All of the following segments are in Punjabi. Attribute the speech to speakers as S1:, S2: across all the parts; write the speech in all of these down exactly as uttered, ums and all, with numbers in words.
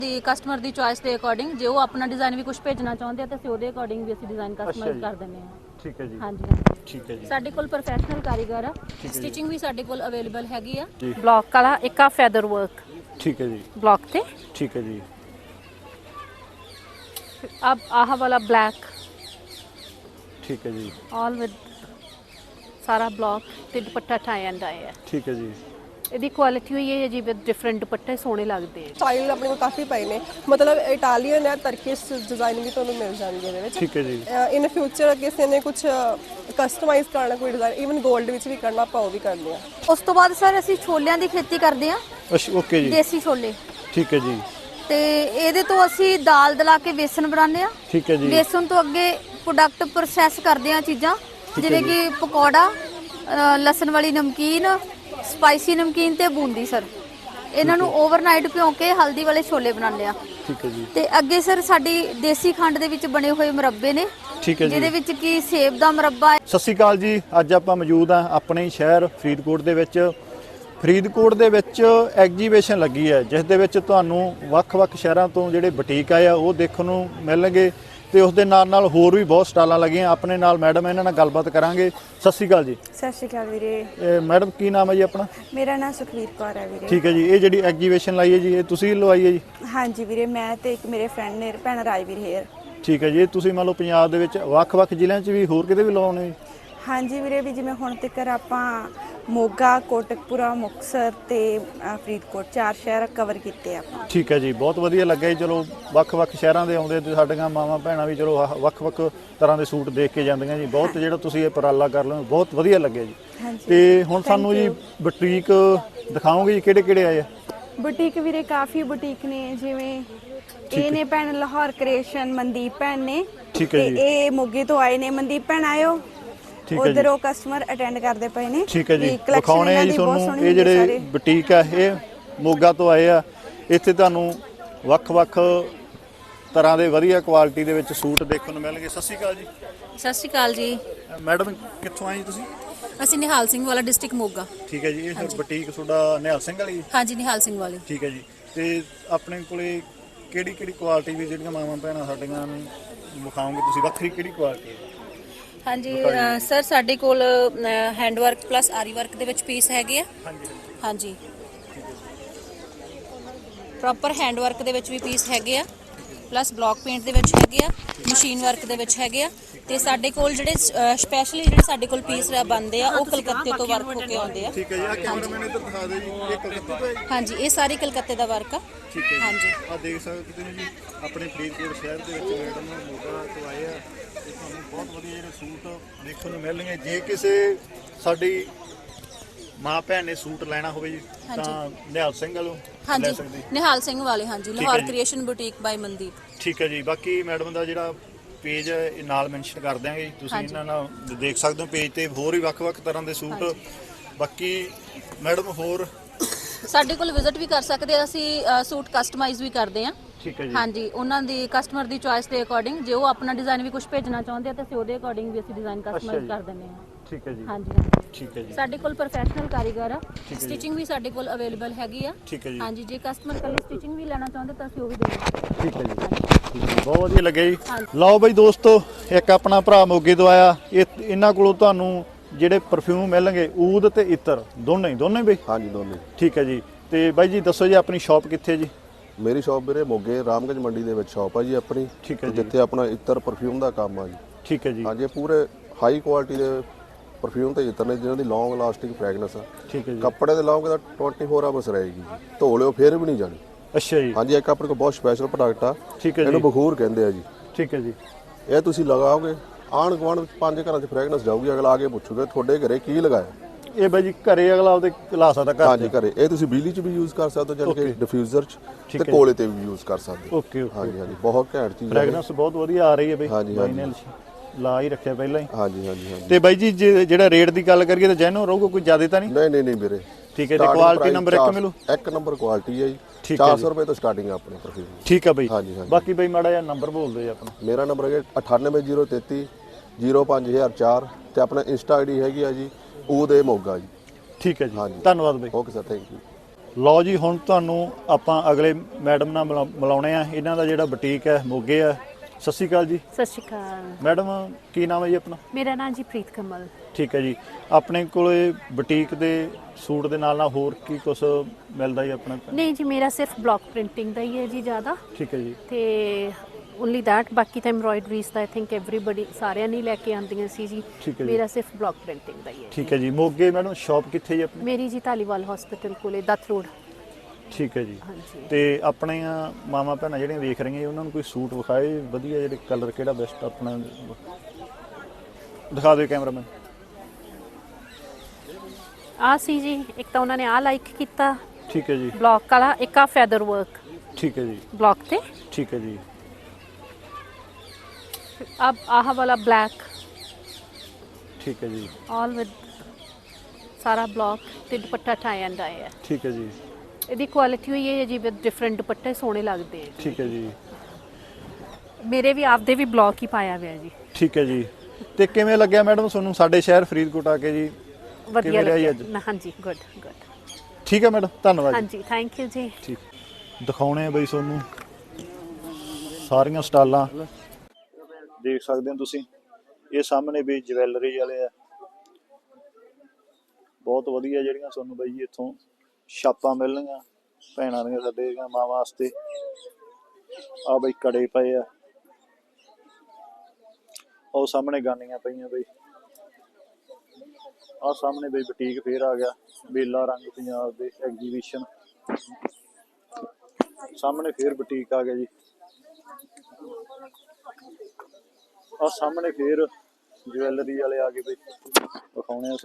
S1: ਦੀ ਕਸਟਮਰ ਦੀ ਚੋਇਸ ਦੇ ਅਕੋਰਡਿੰਗ ਜੇ ਉਹ ਆਪਣਾ ਡਿਜ਼ਾਈਨ ਵੀ ਕੁਝ ਭੇਜਣਾ ਚਾਹੁੰਦੇ ਆ ਤਾਂ ਅਸੀਂ ਉਹਦੇ ਅਕੋਰਡਿੰਗ ਵੀ ਅਸੀਂ ਡਿਜ਼ਾਈਨ ਕਸਟਮਾਈਜ਼ ਕਰ ਦਿੰਦੇ ਹਾਂ।
S2: ਠੀਕ ਹੈ ਜੀ।
S1: ਹਾਂਜੀ ਹਾਂਜੀ
S2: ਠੀਕ ਹੈ ਜੀ।
S1: ਸਾਡੇ ਕੋਲ ਪ੍ਰੋਫੈਸ਼ਨਲ ਕਾਰੀਗਰ ਆ, ਸਟਿਚਿੰਗ ਵੀ ਸਾਡੇ ਕੋਲ ਅਵੇਲੇਬਲ ਹੈਗੀ ਆ।
S3: ब्लॉक वाला एक आ फैदर वर्क
S2: ठीक है जी।
S3: ब्लॉक थे।
S2: ठीक है जी।
S3: अब आह वाला ब्लैक
S2: ठीक है जी।
S3: ऑल विद सारा ब्लॉक ते दुपट्टा टाई एंड डाई है।
S2: ठीक है जी।
S3: ਇਹਦੀ ਕੁਆਲਿਟੀ ਹੋਈ ਹੈ ਜੀ ਵਿਦ ਡਿਫਰੈਂਟ ਦੁਪੱਟੇ ਸੋਹਣੇ ਲੱਗਦੇ ਆ।
S4: ਸਟਾਈਲ ਆਪਣੇ ਕੋਲ ਕਾਫੀ ਪਏ ਨੇ, ਮਤਲਬ ਇਟਾਲੀਅਨ ਹੈ, ਤਰਕਿਸ਼ ਡਿਜ਼ਾਈਨ ਵੀ ਤੁਹਾਨੂੰ ਮਿਲ ਜਾਣਗੇ ਇਹਦੇ ਵਿੱਚ।
S2: ਠੀਕ ਹੈ ਜੀ।
S4: ਇਨ ਫਿਊਚਰ ਕਿਸੇ ਨੇ ਕੁਝ ਕਸਟਮਾਈਜ਼ ਕਰਨਾ ਕੋਈ ਡਿਜ਼ਾਈਨ ਇਵਨ 골ਡ ਵਿੱਚ ਵੀ ਕਰਨਾ ਆਪਾਂ ਉਹ ਵੀ ਕਰਦੇ ਆ।
S1: ਉਸ ਤੋਂ ਬਾਅਦ ਸਰ ਅਸੀਂ ਛੋਲਿਆਂ ਦੀ ਖੇਤੀ ਕਰਦੇ ਆ।
S2: ਅੱਛਾ ਓਕੇ ਜੀ।
S1: ਦੇਸੀ ਛੋਲੇ।
S2: ਠੀਕ ਹੈ ਜੀ।
S1: ਤੇ ਇਹਦੇ ਤੋਂ ਅਸੀਂ ਦਾਲ ਦਲਾ ਕੇ ਵੇਸਣ ਬਣਾਉਂਦੇ ਆ।
S2: ਠੀਕ ਹੈ ਜੀ।
S1: ਵੇਸਣ ਤੋਂ ਅੱਗੇ ਪ੍ਰੋਡਕਟ ਪ੍ਰੋਸੈਸ ਕਰਦੇ ਆ ਚੀਜ਼ਾਂ ਜਿਵੇਂ ਕਿ ਪਕੌੜਾ, ਲਸਣ ਵਾਲੀ ਨਮਕੀਨ, ਸਪਾਈਸੀ ਨਮਕੀਨ ਤੇ ਬੂੰਦੀ ਸਰ। ਇਹਨਾਂ ਨੂੰ ਓਵਰਨਾਈਟ ਭਿਓ ਕੇ ਹਲਦੀ ਵਾਲੇ ਛੋਲੇ ਬਣਾਉਂਦੇ ਆ।
S2: ਠੀਕ ਹੈ ਜੀ।
S1: ਤੇ ਅੱਗੇ ਸਰ ਸਾਡੀ ਦੇਸੀ ਖੰਡ ਦੇ ਵਿੱਚ ਬਣੇ ਹੋਏ ਮੁਰੱਬੇ ਨੇ।
S2: ਠੀਕ ਹੈ ਜੀ।
S1: ਜਿਹਦੇ ਵਿੱਚ ਕੀ ਸੇਬ ਦਾ ਮੁਰੱਬਾ ਹੈ।
S2: ਸਤਿ ਸ਼੍ਰੀ ਅਕਾਲ ਜੀ। ਅੱਜ ਆਪਾਂ ਮੌਜੂਦ ਆ ਆਪਣੇ ਸ਼ਹਿਰ ਫਰੀਦਕੋਟ ਦੇ ਵਿੱਚ। ਫਰੀਦਕੋਟ ਦੇ ਵਿੱਚ ਐਗਜੀਬਿਸ਼ਨ ਲੱਗੀ ਹੈ ਜਿਸ ਦੇ ਵਿੱਚ ਤੁਹਾਨੂੰ ਵੱਖ-ਵੱਖ ਸ਼ਹਿਰਾਂ ਤੋਂ ਜਿਹੜੇ ਬੁਟੀਕ ਆਏ ਆ ਉਹ ਦੇਖਣ ਨੂੰ ਮਿਲਣਗੇ ਤੇ ਉਸ ਦੇ ਨਾਲ ਨਾਲ ਹੋਰ ਵੀ ਬਹੁਤ ਸਟਾਲਾਂ ਲੱਗੀਆਂ। ਆਪਣੇ ਨਾਲ ਮੈਡਮ ਇਹਨਾਂ ਨਾਲ ਗੱਲਬਾਤ ਕਰਾਂਗੇ। ਸਤਿ ਸ਼੍ਰੀ ਅਕਾਲ ਜੀ।
S5: ਸਤਿ ਸ਼੍ਰੀ ਅਕਾਲ ਵੀਰੇ।
S2: ਇਹ ਮੈਡਮ ਕੀ ਨਾਮ ਹੈ ਜੀ ਆਪਣਾ?
S5: ਮੇਰਾ ਨਾਮ ਸੁਖਵੀਰ ਕੌਰ ਹੈ ਵੀਰੇ।
S2: ਠੀਕ ਹੈ ਜੀ। ਇਹ ਜਿਹੜੀ ਐਗਜੀਬਿਸ਼ਨ ਲਾਈ ਹੈ ਜੀ ਇਹ ਤੁਸੀਂ ਲਵਾਈ ਹੈ ਜੀ?
S5: ਹਾਂਜੀ ਵੀਰੇ, ਮੈਂ ਤੇ ਇੱਕ ਮੇਰੇ ਫਰੈਂਡ ਨੇ ਭੈਣ ਰਾਜਵੀਰ ਹੇਅਰ।
S2: ਠੀਕ ਹੈ ਜੀ। ਇਹ ਤੁਸੀਂ ਮੰਨ ਲਓ ਪੰਜਾਬ ਦੇ ਵਿੱਚ ਵੱਖ-ਵੱਖ ਜ਼ਿਲ੍ਹਿਆਂ 'ਚ ਵੀ ਹੋਰ ਕਿਤੇ ਵੀ ਲਵਾਉਣੇ ਜੀ?
S5: ਹਾਂਜੀ ਵੀਰੇ, ਵੀ ਜਿਵੇਂ ਹੁਣ ਤੱਕ ਆਪਾਂ ਮੋਗਾ, ਕੋਟਕਪੂਰਾ, ਮੁਕਤਸਰ ਤੇ ਫਰੀਦਕੋਟ ਚਾਰ ਸ਼ਹਿਰ ਕਵਰ ਕੀਤੇ ਆਪਾਂ।
S2: ਠੀਕ ਹੈ ਜੀ। ਬਹੁਤ ਵਧੀਆ ਲੱਗਿਆ ਜੀ। ਚਲੋ ਵੱਖ-ਵੱਖ ਸ਼ਹਿਰਾਂ ਦੇ ਆਉਂਦੇ ਤੇ ਸਾਡੀਆਂ ਮਾਵਾਂ ਭੈਣਾਂ ਵੀ ਚਲੋ ਵੱਖ-ਵੱਖ ਤਰ੍ਹਾਂ ਦੇ ਸੂਟ ਦੇਖ ਕੇ ਜਾਂਦੀਆਂ ਜੀ। ਬਹੁਤ ਜਿਹੜਾ ਤੁਸੀਂ ਇਹ ਉਪਰਾਲਾ ਕਰ ਲਓ ਬਹੁਤ ਵਧੀਆ ਲੱਗਿਆ ਜੀ। ਤੇ ਹੁਣ ਸਾਨੂੰ ਜੀ ਬੁਟੀਕ ਦਿਖਾਓਗੇ ਜੀ ਕਿਹੜੇ ਕਿਹੜੇ ਆਏ ਆ?
S5: ਬੁਟੀਕ ਵੀਰੇ ਕਾਫੀ ਬੁਟੀਕ ਨੇ, ਜਿਵੇਂ ਇਹ ਨੇ ਭੈਣ ਲਾਹੌਰ ਕ੍ਰੀਏਸ਼ਨ ਮਨਦੀਪ ਭੈਣ ਨੇ।
S2: ਠੀਕ ਹੈ ਜੀ।
S5: ਇਹ ਮੋਗੇ ਤੋਂ ਆਏ ਨੇ। ਮਨਦੀਪ ਭੈਣ ਆਇਓ, ਉਧਰ ਉਹ ਕਸਟਮਰ ਅਟੈਂਡ ਕਰਦੇ ਪਏ ਨੇ।
S2: ਠੀਕ ਹੈ ਜੀ। ਦਿਖਾਉਣੇ ਆ ਜੀ ਤੁਹਾਨੂੰ ਇਹ ਜਿਹੜੇ ਬੁਟੀਕ ਆ ਇਹ ਮੋਗਾ ਤੋਂ ਆਏ ਆ। ਇੱਥੇ ਤੁਹਾਨੂੰ ਵੱਖ-ਵੱਖ ਤਰ੍ਹਾਂ ਦੇ ਵਧੀਆ ਕੁਆਲਿਟੀ ਦੇ ਵਿੱਚ ਸੂਟ ਦੇਖਣ ਨੂੰ ਮਿਲਣਗੇ। ਸਤਿ ਸ਼੍ਰੀ ਅਕਾਲ ਜੀ।
S1: ਸਤਿ ਸ਼੍ਰੀ ਅਕਾਲ ਜੀ।
S2: ਮੈਡਮ ਕਿੱਥੋਂ ਆਏ ਜੀ ਤੁਸੀਂ?
S1: ਅਸੀਂ ਨਿਹਾਲ ਸਿੰਘ ਵਾਲਾ ਡਿਸਟ੍ਰਿਕਟ ਮੋਗਾ।
S2: ਠੀਕ ਹੈ ਜੀ। ਇਹ ਸਰ ਬੁਟੀਕ ਤੁਹਾਡਾ ਨਿਹਾਲ ਸਿੰਘ ਵਾਲੀ?
S1: ਹਾਂਜੀ ਨਿਹਾਲ ਸਿੰਘ ਵਾਲੀ।
S2: ਠੀਕ ਹੈ ਜੀ। ਤੇ ਆਪਣੇ ਕੋਲੇ ਕਿਹੜੀ ਕਿਹੜੀ ਕੁਆਲਿਟੀ ਦੀ ਜਿਹੜੀਆਂ ਮਾਵਾਂ ਭੈਣਾਂ ਸਾਡੀਆਂ ਨੂੰ ਵਿਖਾਓਗੇ ਤੁਸੀਂ? ਵੱਖਰੀ ਕਿਹੜੀ ਕੁਆਲਿਟੀ ਹੈ?
S1: ਹਾਂਜੀ ਸਰ ਸਾਡੇ ਕੋਲ hand work plus aari work ਦੇ ਵਿੱਚ ਪੀਸ ਹੈਗੇ ਆ। ਹਾਂਜੀ ਪ੍ਰੋਪਰ ਹੈਂਡ ਵਰਕ ਦੇ ਵਿੱਚ ਵੀ ਪੀਸ ਹੈਗੇ ਆ, ਪਲੱਸ ਬਲੌਕ ਪੇਂਟ ਦੇ ਵਿੱਚ ਹੈਗੇ ਆ, ਮਸ਼ੀਨ ਵਰਕ ਦੇ ਵਿੱਚ ਹੈਗੇ ਆ। ਤੇ ਸਾਡੇ ਕੋਲ ਜਿਹੜੇ ਸਪੈਸ਼ਲੀ ਜਿਹੜੇ ਸਾਡੇ ਕੋਲ ਪੀਸ ਬਣਦੇ ਆ ਉਹ ਕਲਕੱਤੇ ਤੋਂ ਵਰਕ ਹੋ ਕੇ ਆਉਂਦੇ ਆ।
S2: ਠੀਕ ਹੈ ਜੀ। ਆ ਕੈਮਰਾਮੈਨ ਇੱਧਰ ਦਿਖਾ ਦਿਓ ਜੀ। ਇਹ ਕਲਕੱਤੇ ਤੋਂ ਹੈ?
S1: ਹਾਂਜੀ ਇਹ ਸਾਰੇ ਕਲਕੱਤੇ ਦਾ ਵਰਕ ਆ।
S2: ਠੀਕ ਹੈ।
S1: ਹਾਂਜੀ
S2: ਆ ਦੇਖ ਸਕਦੇ ਤੁਸੀਂ ਜੀ ਆਪਣੇ ਫਰੀਦਕੋਟ ਸ਼ਹਿਰ ਦੇ ਵਿੱਚ ਮੈਡਮ ਮੋਗਾ ਤੋਂ ਆਏ ਆ ਤੇ ਤੁਹਾਨੂੰ ਬਹੁਤ ਵਧੀਆ ਜਿਹੜੇ ਸੂਟ ਦੇਖਣ ਨੂੰ ਮਿਲਣਗੇ। ਜੇ ਕਿਸੇ ਸਾਡੀ ਮਾਂ ਭੈਣ ਨੇ ਸੂਟ ਲੈਣਾ ਹੋਵੇ ਜੀ ਤਾਂ ਨਿਹਾਲ ਸਿੰਘ ਵੱਲੋਂ ਲੈ ਸਕਦੇ?
S1: ਨਿਹਾਲ ਸਿੰਘ ਵਾਲੇ। ਹਾਂਜੀ Lahore creation boutique by Mandeep.
S2: ਠੀਕ ਹੈ ਜੀ। ਬਾਕੀ ਮੈਡਮ ਦਾ ਜਿਹੜਾ ਪੇਜ ਇਹ ਨਾਲ ਮੈਂਸ਼ਨ ਕਰ ਦਿਆਂਗੇ, ਤੁਸੀਂ ਇਹਨਾਂ ਨਾਲ ਦੇਖ ਸਕਦੇ ਹੋ ਪੇਜ ਤੇ ਹੋਰ ਵੀ ਵੱਖ-ਵੱਖ ਤਰ੍ਹਾਂ ਦੇ ਸੂਟ। ਬਾਕੀ ਮੈਡਮ ਹੋਰ
S1: ਸਾਡੇ ਕੋਲ ਵਿਜ਼ਿਟ ਵੀ ਕਰ ਸਕਦੇ ਆ। ਅਸੀਂ ਸੂਟ ਕਸਟਮਾਈਜ਼ ਵੀ ਕਰਦੇ ਆ।
S2: ਠੀਕ ਹੈ ਜੀ।
S1: ਹਾਂਜੀ ਉਹਨਾਂ ਦੀ ਕਸਟਮਰ ਦੀ ਚੋਇਸ ਦੇ ਅਕੋਰਡਿੰਗ ਜੇ ਉਹ ਆਪਣਾ ਡਿਜ਼ਾਈਨ ਵੀ ਕੁਝ ਭੇਜਣਾ ਚਾਹੁੰਦੇ ਆ ਤਾਂ ਅਸੀਂ ਉਹਦੇ ਅਕੋਰਡਿੰਗ ਵੀ ਅਸੀਂ ਡਿਜ਼ਾਈਨ ਕਸਟਮਾਈਜ਼ ਕਰ ਦਿੰਦੇ ਆ।
S2: ਠੀਕ ਹੈ ਜੀ।
S1: ਹਾਂਜੀ
S2: ਠੀਕ ਹੈ ਜੀ।
S1: ਸਾਡੇ ਕੋਲ ਪ੍ਰੋਫੈਸ਼ਨਲ ਕਾਰੀਗਰ ਆ, ਸਟਿਚਿੰਗ ਵੀ ਸਾਡੇ ਕੋਲ ਅਵੇਲੇਬਲ ਹੈਗੀ ਆ।
S2: ਠੀਕ ਹੈ ਜੀ।
S1: ਹਾਂਜੀ ਜੇ ਕਸਟਮਰ ਕੱਲੀ ਸਟਿਚਿੰਗ ਵੀ ਲੈਣਾ ਚਾਹੁੰਦੇ ਤਾਂ ਅਸੀਂ ਉਹ ਵੀ ਦੇ ਦਿੰਦੇ।
S2: ਠੀਕ ਹੈ ਜੀ। ਬਹੁਤ ਵਧੀਆ ਲੱਗਿਆ ਜੀ। ਲਓ ਬਈ ਦੋਸਤੋ, ਇੱਕ ਆਪਣਾ ਭਰਾ ਮੋਗੇ ਤੋਂ ਆਇਆ। ਇਹ ਇਹਨਾਂ ਕੋਲੋਂ ਤੁਹਾਨੂੰ ਜਿਹੜੇ ਪਰਫਿਊਮ ਮਿਲਣਗੇ ਊਦ ਤੇ ਇਤਰ ਦੋਨੇ ਹੀ ਦੋਨੇ ਬਈ?
S6: ਹਾਂਜੀ ਦੋਨੇ।
S2: ਠੀਕ ਹੈ ਜੀ। ਤੇ ਬਾਈ ਜੀ ਦੱਸੋ ਜੀ ਆਪਣੀ ਸ਼ਾਪ ਕਿੱਥੇ ਜੀ?
S6: ਮੇਰੀ ਸ਼ਾਪ ਵੀਰੇ ਮੋਗੇ ਰਾਮਗੰਜ ਮੰਡੀ ਦੇ ਵਿੱਚ ਸ਼ਾਪ ਆ ਜੀ ਆਪਣੀ।
S2: ਠੀਕ ਹੈ ਜੀ।
S6: ਜਿੱਥੇ ਆਪਣਾ ਇਤਰ ਪਰਫਿਊਮ ਦਾ ਕੰਮ ਆ ਜੀ।
S2: ਠੀਕ ਹੈ ਜੀ।
S6: ਹਾਂਜੀ ਪੂਰੇ ਹਾਈ ਕੁਆਲਿਟੀ ਦੇ ਪਰਫਿਊਮ ਤੇ ਇਤਰ ਨੇ ਜਿਨ੍ਹਾਂ ਦੀ ਲੌਂਗ ਲਾਸਟਿੰਗ ਫ੍ਰੈਗਨੈਂਸ ਆ।
S2: ਠੀਕ ਹੈ ਜੀ।
S6: ਕੱਪੜੇ ਦੇ ਲਾਓਗੇ ਤਾਂ ਚੌਵੀ ਆਵਰਸ ਰਹੇਗੀ ਜੀ, ਧੋ ਲਿਓ ਫਿਰ ਵੀ ਨਹੀਂ ਜਾਣੀ।
S2: ਅੱਛਾ ਜੀ।
S6: ਹਾਂਜੀ ਇੱਕ ਆਪਣੇ ਕੋਲ ਬਹੁਤ ਸਪੈਸ਼ਲ ਪ੍ਰੋਡਕਟ ਆ।
S2: ਠੀਕ ਹੈ ਜੀ।
S6: ਇਹਨੂੰ ਬਖੂਰ ਕਹਿੰਦੇ ਆ ਜੀ।
S2: ਠੀਕ ਹੈ ਜੀ।
S6: ਇਹ ਤੁਸੀਂ ਲਗਾਓਗੇ ਆਂਢ ਗੁਆਂਢ ਵਿੱਚ ਪੰਜ ਘਰਾਂ 'ਚ ਫ੍ਰੈਗਨੈਂਸ ਜਾਊਗੀ। ਅਗਲਾ ਆ ਕੇ ਪੁੱਛੂਗਾ ਤੁਹਾਡੇ ਘਰੇ ਕੀ ਲਗਾਇਆ।
S2: ਇਹ ਬਾਈ ਜੀ ਘਰੇ ਅਗਲਾ ਆਪਦੇ ਲਾ ਸਕਦਾ ਘਰ?
S6: ਹਾਂਜੀ ਘਰੇ। ਇਹ ਤੁਸੀਂ ਬਿਜਲੀ 'ਚ ਵੀ ਯੂਜ਼ ਕਰ ਸਕਦੇ ਹੋ, ਜਾਨੀ ਕਿ ਡਿਫਿਊਜ਼ਰ 'ਚ ਤੇ ਕੋਲੇ ਤੇ ਵੀ ਯੂਜ਼ ਕਰ ਸਕਦੇ ਹੋ।
S2: Okay okay.
S6: ਹਾਂਜੀ ਹਾਂਜੀ ਬਹੁਤ ਘੈਂਟ ਚੀਜ਼ ਹੈ।
S2: ਫ੍ਰੈਗਨੈਂਸ ਬਹੁਤ ਵਧੀਆ ਆ ਰਹੀ ਹੈ ਬਈ।
S6: ਹਾਂਜੀ ਹਾਂਜੀ
S2: ਲਾ ਹੀ ਰੱਖਿਆ ਪਹਿਲਾਂ ਹੀ।
S6: ਹਾਂਜੀ ਹਾਂਜੀ ਹਾਂਜੀ।
S2: ਤੇ ਬਾਈ ਜੀ ਜੇ ਜਿਹੜਾ ਰੇਟ ਦੀ ਗੱਲ ਕਰੀਏ ਤਾਂ ਜੈਨੋ ਰਹੂਗਾ, ਕੋਈ ਜ਼ਿਆਦਾ ਤਾਂ ਨਹੀਂ?
S6: ਨਹੀਂ ਨਹੀਂ ਨਹੀਂ ਵੀਰੇ।
S2: ਠੀਕ ਹੈ ਜੀ। ਕੁਆਲਿਟੀ ਨੰਬਰ ਇੱਕ ਮਿਲੂ?
S6: ਇੱਕ ਨੰਬਰ ਕੁਆਲਿਟੀ ਹੈ ਜੀ। ਚਾਰ ਸੌ ਰੁਪਏ ਤੋਂ ਸਟਾਰਟਿੰਗ ਹੈ ਆਪਣੇ ਪਰਫਿਊਮ।
S2: ਠੀਕ ਹੈ ਬਾਈ।
S6: ਹਾਂਜੀ ਹਾਂਜੀ।
S2: ਬਾਕੀ ਬਾਈ ਮਾੜਾ ਜਿਹਾ ਨੰਬਰ ਬੋਲ ਦਿਓ ਜੀ ਆਪਣਾ।
S6: ਮੇਰਾ ਨੰਬਰ ਹੈ ਅਠਾਨਵੇਂ ਜ਼ੀਰੋ ਤੇਤੀ ਜ਼ੀਰੋ ਪੰਜ ਹਜ਼ਾਰ ਚਾਰ ਤੇ ਆਪਣਾ ਇੰਸਟਾ ਆਈਡੀ ਹੈਗੀ ਆ ਜੀ ਉਹਦੇ ਮੋਗਾ ਜੀ।
S2: ਠੀਕ ਹੈ ਜੀ।
S6: ਹਾਂਜੀ
S2: ਧੰਨਵਾਦ ਬਾਈ।
S6: Okay sir, thank you.
S2: ਲਓ ਜੀ, ਹੁਣ ਤੁਹਾਨੂੰ ਆਪਾਂ ਅਗਲੇ ਮੈਡਮ ਨਾਲ ਮਿਲਾ- ਮਿਲਾਉਣੇ ਆ। ਇਹਨਾਂ ਦਾ ਜਿਹੜਾ ਬੁਟੀਕ ਹੈ ਮੋਗੇ ਆ। ਸਤਿ ਸ਼੍ਰੀ ਅਕਾਲ ਜੀ
S3: ਸਤਿ ਸ਼੍ਰੀ ਅਕਾਲ।
S2: ਮੈਡਮ, ਕੀ ਨਾਮ ਹੈ ਜੀ ਆਪਣਾ?
S3: ਮੇਰਾ ਨਾਮ ਜੀ ਪ੍ਰੀਤ ਕਮਲ।
S2: ਠੀਕ ਹੈ ਜੀ। ਆਪਣੇ ਕੋਲੇ ਬੁਟੀਕ ਦੇ ਸੂਟ ਦੇ ਨਾਲ ਨਾਲ ਹੋਰ ਕੀ ਕੁਝ ਮਿਲਦਾ ਜੀ ਆਪਣੇ ਕੋਲ?
S3: ਨਹੀਂ ਜੀ, ਮੇਰਾ ਸਿਰਫ ਬਲੌਕ ਪ੍ਰਿੰਟਿੰਗ ਦਾ ਹੀ ਹੈ ਜੀ ਜ਼ਿਆਦਾ,
S2: ਠੀਕ ਹੈ ਜੀ।
S3: ਤੇ ਓਨਲੀ ਦੈਟ। ਬਾਕੀ ਤਾਂ ਐਮਬਰਾਇਡਰੀਜ਼ ਦਾ ਆਈ ਥਿੰਕ ਐਵਰੀਬਡੀ ਸਾਰਿਆਂ ਨੇ ਲੈ ਕੇ ਆਉਂਦੀਆਂ ਸੀ ਜੀ।
S2: ਠੀਕ ਹੈ ਜੀ।
S3: ਮੇਰਾ ਸਿਰਫ ਬਲੌਕ ਪ੍ਰਿੰਟਿੰਗ ਦਾ ਹੀ ਹੈ।
S2: ਠੀਕ ਹੈ ਜੀ। ਮੋਗੇ ਮੈਡਮ ਸ਼ਾਪ ਕਿੱਥੇ ਜੀ ਆਪਣੀ?
S3: ਮੇਰੀ ਜੀ ਧਾਲੀਵਾਲ ਹਸਪੀਟਲ ਕੋਲੇ ਦੱਤ ਰੋਡ।
S2: ਠੀਕ ਹੈ ਜੀ।
S3: ਹਾਂਜੀ।
S2: ਤੇ ਆਪਣੀਆਂ ਮਾਵਾਂ ਭੈਣਾਂ ਜਿਹੜੀਆਂ ਵੇਖ ਰਹੀਆਂ ਉਹਨਾਂ ਨੂੰ ਕੋਈ ਸੂਟ ਵਿਖਾਏ ਵਧੀਆ, ਜਿਹੜੇ ਕਲਰ ਕਿਹੜਾ ਬੈਸਟ ਆਪਣਾ ਦਿਖਾ ਦਿਓ ਕੈਮਰਾਮੈਨ।
S3: ਆ ਸੀ ਜੀ, ਇੱਕ ਤਾਂ ਉਹਨਾਂ ਨੇ ਆ ਲਾਈਕ ਕੀਤਾ
S2: ਠੀਕ ਹੈ ਜੀ।
S3: ਬਲੌਕ ਵਾਲਾ, ਇੱਕ ਆ ਫੈਦਰ ਵਰਕ
S2: ਠੀਕ ਹੈ ਜੀ।
S3: ਬਲੌਕ ਤੇ।
S2: ਠੀਕ ਹੈ ਜੀ।
S3: अब आह वाला ब्लैक
S2: ठीक है जी।
S3: ऑल विद सारा ब्लॉक ते दुपट्टा टाई एंड डाई है।
S2: ठीक है जी।
S3: ਇਹਦੀ ਕੁਆਲਿਟੀ ਹੋਈ ਹੈ ਜੀ, ਵਿਦ ਡਿਫਰੈਂਟ ਦੁਪੱਟੇ ਸੋਹਣੇ ਲੱਗਦੇ ਆ।
S2: ਠੀਕ ਹੈ ਜੀ।
S3: ਮੇਰੇ ਵੀ ਆਪਦੇ ਵੀ ਬਲੌਕ ਹੀ ਪਾਇਆ ਹੋਇਆ ਜੀ।
S2: ਠੀਕ ਹੈ ਜੀ। ਤੇ ਕਿਵੇਂ ਲੱਗਿਆ ਮੈਡਮ ਤੁਹਾਨੂੰ ਸਾਡੇ ਸ਼ਹਿਰ ਫਰੀਦਕੋਟ ਆ ਕੇ ਜੀ?
S3: ਵਧੀਆ
S2: ਕਿਵੇਂ ਰਿਹਾ ਜੀ
S3: ਲੱਗਿਆ
S2: ਅੱਜ?
S3: ਨਾ, ਹਾਂਜੀ, ਗੁੱਡ ਗੁੱਡ।
S2: ਠੀਕ ਹੈ ਮੈਡਮ, ਧੰਨਵਾਦ ਜੀ।
S3: ਹਾਂਜੀ, ਥੈਂਕ ਯੂ ਜੀ।
S2: ਠੀਕ। ਦਿਖਾਉਣੇ ਆ ਬਈ ਤੁਹਾਨੂੰ ਸਾਰੀਆਂ ਸਟਾਲਾਂ ਦੇਖ ਸਕਦੇ ਹੋ ਤੁਸੀਂ। ਇਹ ਸਾਹਮਣੇ ਵੀ ਜਵੈਲਰੀ ਵਾਲੇ ਆ, ਬਹੁਤ ਵਧੀਆ ਜਿਹੜੀਆਂ ਤੁਹਾਨੂੰ ਬਈ ਇੱਥੋਂ ਛਾਪਾਂ ਮਿਲਣਗੀਆਂ ਭੈਣਾਂ ਦੀਆਂ, ਸਾਡੇ ਦੀਆਂ ਮਾਵਾਂ ਵਾਸਤੇ। ਆ ਬਈ ਕੜੇ ਪਏ ਆ, ਉਹ ਸਾਹਮਣੇ ਗਾਨੀਆਂ ਪਈਆਂ ਬਈ। ਆ ਸਾਹਮਣੇ ਬਈ ਬੁਟੀਕ ਫੇਰ ਆ ਗਿਆ, ਮੇਲਾ ਰੰਗ ਪੰਜਾਬ ਦੇ ਐਗਜੀਬਿਸ਼ਨ। ਸਾਹਮਣੇ ਫੇਰ ਬੁਟੀਕ ਆ ਗਿਆ ਜੀ। ਆ ਸਾਹਮਣੇ ਫੇਰ ज्वेलरी वाले आ गए भाई, दिखाने हैं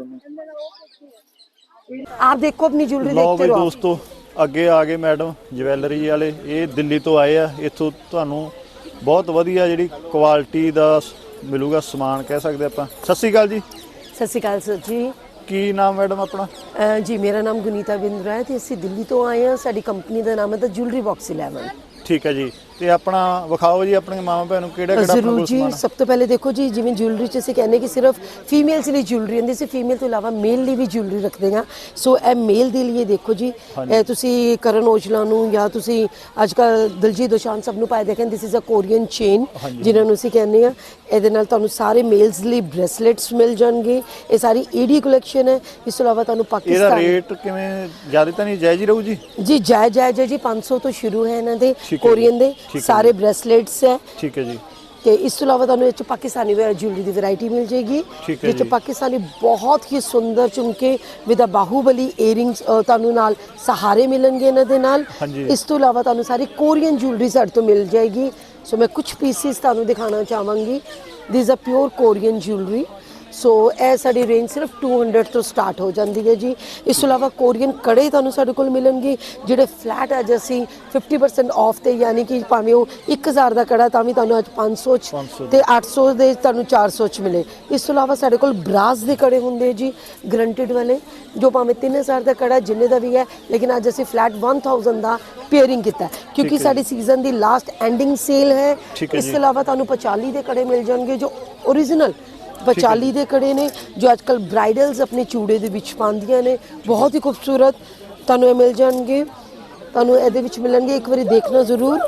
S2: ਤੁਹਾਨੂੰ।
S7: आप देखो अपनी ज्वेलरी
S2: ਲਓ
S7: देखते
S2: ਬਈ
S7: रहो।
S2: ਦੋਸਤੋ, ਅੱਗੇ ਆ ਗਏ ਮੈਡਮ ज्वेलरी ਵਾਲੇ। ਇਹ ਦਿੱਲੀ ਤੋਂ ਆਏ ਆ। ਇੱਥੋਂ ਤੁਹਾਨੂੰ ਬਹੁਤ ਵਧੀਆ ਜਿਹੜੀ ਕੁਆਲਿਟੀ ਦਾ ਮਿਲੂਗਾ ਸਮਾਨ, ਕਹਿ ਸਕਦੇ ਆਪਾਂ। ਸਤਿ ਸ਼੍ਰੀ ਅਕਾਲ ਜੀ।
S7: सत श्रीकाल सर जी।
S2: ਕੀ ਨਾਮ ਮੈਡਮ ਆਪਣਾ?
S7: ਅਹ ਜੀ ਮੇਰਾ ਨਾਮ ਗੁਨੀਤਾ ਬਿੰਦਰਾ ਹੈ ਤੇ ਅਸੀਂ ਦਿੱਲੀ ਤੋਂ ਆਏ ਹਾਂ। ਸਾਡੀ ਕੰਪਨੀ ਦਾ ਨਾਮ ਹੈ ਦਾ ਜੁਐਲਰੀ ਬਾਕਸ ਇਲੈਵਨ।
S2: ਠੀਕ ਹੈ ਜੀ। ਤੇ ਆਪਣਾ ਵਿਖਾਓ ਜੀ ਆਪਣੀਆਂ ਮਾਵਾਂ ਭੈਣ ਨੂੰ ਕਿਹੜਾ ਕਿਹੜਾ
S7: ਜ਼ਰੂਰ ਜੀ।
S2: ਸਮਾਨ।
S7: ਸਭ ਤੋਂ ਪਹਿਲੇ ਦੇਖੋ ਜੀ, ਜਿਵੇਂ ਜੁਐਲਰੀ ਚ ਅਸੀਂ ਕਹਿੰਦੇ ਕਿ ਸਿਰਫ ਫੀਮੇਲਸ ਲਈ ਜੁਐਲਰੀ ਹੁੰਦੀ ਸੀ, ਫੀਮੇਲ ਤੋਂ ਇਲਾਵਾ ਮੇਲ ਲਈ ਵੀ ਜੁਐਲਰੀ ਰੱਖਦੇ ਹਾਂ। ਸੋ ਇਹ ਮੇਲ ਦੇ ਲਈ ਦੇਖੋ ਜੀ, ਇਹ ਤੁਸੀਂ ਕਰਨ ਔਜਲਾ ਨੂੰ ਜਾਂ ਤੁਸੀਂ ਅੱਜ ਕੱਲ ਦਿਲਜੀਤ ਦੋਸਾਂਝ ਸਭ ਨੂੰ ਪਾਏ ਦੇਖਣ, this is a Korean chain ਜਿਨ੍ਹਾਂ ਨੂੰ ਅਸੀਂ ਕਹਿੰਦੇ ਆ। ਇਹਦੇ ਨਾਲ ਤੁਹਾਨੂੰ ਸਾਰੇ ਮੇਲਸ ਲਈ ਬ੍ਰੈਸਲੇਟਸ ਮਿਲ ਜਾਣਗੇ। ਇਹ ਸਾਰੀ ਏਡੀ ਕਲੈਕਸ਼ਨ ਹੈ। ਇਸ ਤੋਂ ਇਲਾਵਾ ਤੁਹਾਨੂੰ
S2: ਇਹਦਾ
S7: ਪਾਕਿਸਤਾਨ
S2: ਰੇਟ ਕਿਵੇਂ ਜ਼ਿਆਦਾ ਤਾਂ ਨਹੀਂ, ਜਾਇਜ਼ ਹੀ ਰਹੂ ਜੀ?
S7: ਜੀ ਜਾਇਜ਼ ਜਾਇਜ਼ ਹੈ ਜੀ। ਪੰਜ ਸੌ ਤੋਂ ਸ਼ੁਰੂ ਹੈ ਇਹਨਾਂ ਦੇ
S2: ਠੀਕ ਹੈ
S7: ਕੋਰੀਅਨ ਦੇ
S2: ਠੀਕ ਹੈ
S7: ਸਾਰੇ ਬ੍ਰੈਸਲੇਟਸ ਹੈ।
S2: ਠੀਕ ਹੈ ਜੀ।
S7: ਤੇ ਇਸ ਤੋਂ ਇਲਾਵਾ ਤੁਹਾਨੂੰ ਇਹ 'ਚ ਪਾਕਿਸਤਾਨੀ ਜੁਐਲਰੀ ਦੀ ਵੈਰਾਈਟੀ ਮਿਲ ਜਾਏਗੀ,
S2: ਠੀਕ ਹੈ
S7: ਜਿਸ 'ਚ
S2: ਜੀ।
S7: ਪਾਕਿਸਤਾਨੀ ਬਹੁਤ ਹੀ ਸੁੰਦਰ ਝੁਮਕੇ ਵਿਦ ਅ ਬਾਹੂਬਲੀ ਏਅਰਿੰਗਸ ਤੁਹਾਨੂੰ ਨਾਲ ਸਹਾਰੇ ਮਿਲਣਗੇ ਇਹਨਾਂ ਦੇ ਨਾਲ।
S2: ਹਾਂਜੀ।
S7: ਇਸ ਤੋਂ ਇਲਾਵਾ ਤੁਹਾਨੂੰ ਸਾਰੀ ਕੋਰੀਅਨ ਜੁਐਲਰੀ ਸਾਡੇ ਤੋਂ ਮਿਲ ਜਾਏਗੀ। ਸੋ ਮੈਂ ਕੁਝ ਪੀਸਿਸ ਤੁਹਾਨੂੰ ਦਿਖਾਉਣਾ ਚਾਹਾਂਗੀ। This a pure Korean jewellery. So ਇਹ ਸਾਡੀ ਰੇਂਜ ਸਿਰਫ ਦੋ ਸੌ ਤੋਂ ਸਟਾਰਟ ਹੋ ਜਾਂਦੀ ਹੈ ਜੀ। ਇਸ ਤੋਂ ਇਲਾਵਾ ਕੋਰੀਅਨ ਕੜੇ ਤੁਹਾਨੂੰ ਸਾਡੇ ਕੋਲ ਮਿਲਣਗੇ, ਜਿਹੜੇ ਫਲੈਟ ਅੱਜ ਅਸੀਂ ਫਿਫਟੀ ਪਰਸੈਂਟ ਆਫ ਤੇ, ਯਾਨੀ ਕਿ ਭਾਵੇਂ ਉਹ ਇੱਕ ਹਜ਼ਾਰ ਦਾ ਕੜਾ ਤਾਂ ਵੀ ਤੁਹਾਨੂੰ ਅੱਜ ਪੰਜ ਸੌ ਚ ਤੇ ਅੱਠ ਸੌ ਦੇ ਤੁਹਾਨੂੰ ਚਾਰ ਸੌ ਚ ਮਿਲੇ। ਇਸ ਤੋਂ ਇਲਾਵਾ ਸਾਡੇ ਕੋਲ ਬਰਾਸ ਦੇ ਕੜੇ ਹੁੰਦੇ ਜੀ, ਗਰੰਟਿਡ ਵਾਲੇ, ਜੋ ਭਾਵੇਂ ਤਿੰਨ ਹਜ਼ਾਰ ਦਾ ਕੜਾ ਜਿੰਨੇ ਦਾ ਵੀ ਹੈ, ਲੇਕਿਨ ਅੱਜ ਅਸੀਂ ਫਲੈਟ ਇੱਕ ਹਜ਼ਾਰ ਦਾ ਪੇਅਰਿੰਗ ਕੀਤਾ ਕਿਉਂਕਿ ਸਾਡੀ ਸੀਜ਼ਨ ਦੀ ਲਾਸਟ ਐਂਡਿੰਗ ਸੇਲ ਹੈ। ਇਸ ਤੋਂ ਇਲਾਵਾ ਤੁਹਾਨੂੰ ਪਚਾਲੀ ਦੇ ਕੜੇ ਮਿਲ ਜਾਣਗੇ ਜੋ ਓਰੀਜਨਲ ਪਚਾਲੀ ਦੇ ਕੜੇ ਨੇ, ਜੋ ਅੱਜ ਕੱਲ ਬ੍ਰਾਈਡਲਸ ਆਪਣੇ ਚੂੜੇ ਦੇ ਵਿੱਚ ਪਾਉਂਦੀਆਂ ਨੇ। ਬਹੁਤ ਹੀ ਖੂਬਸੂਰਤ ਤੁਹਾਨੂੰ ਇਹ ਮਿਲ ਜਾਣਗੇ। ਤੁਹਾਨੂੰ ਇਹਦੇ ਵਿੱਚ ਮਿਲਣਗੇ, ਇੱਕ ਵਾਰੀ ਦੇਖਣਾ ਜ਼ਰੂਰ।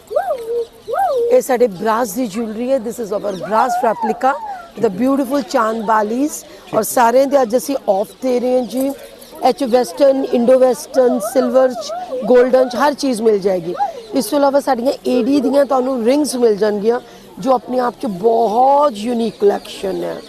S7: ਇਹ ਸਾਡੇ ਬ੍ਰਾਸ ਦੀ ਜੁਐਲਰੀ ਹੈ। This is our brass replica the beautiful ਚਾਂਦ ਬਾਲੀਜ਼। ਔਰ ਸਾਰਿਆਂ ਦੇ ਅੱਜ ਅਸੀਂ ਆਫ ਦੇ ਰਹੇ ਹਾਂ ਜੀ। ਐਚ ਵੈਸਟਰਨ, ਇੰਡੋ ਵੈਸਟਰਨ, ਸਿਲਵਰ ਚ, ਗੋਲਡਨ ਚ ਹਰ ਚੀਜ਼ ਮਿਲ ਜਾਏਗੀ। ਇਸ ਤੋਂ ਇਲਾਵਾ ਸਾਡੀਆਂ ਏਡੀ ਦੀਆਂ ਤੁਹਾਨੂੰ ਰਿੰਗਸ ਮਿਲ ਜਾਣਗੀਆਂ, ਜੋ ਆਪਣੇ ਆਪ 'ਚ ਬਹੁਤ ਯੂਨੀਕ ਕਲੈਕਸ਼ਨ ਹੈ।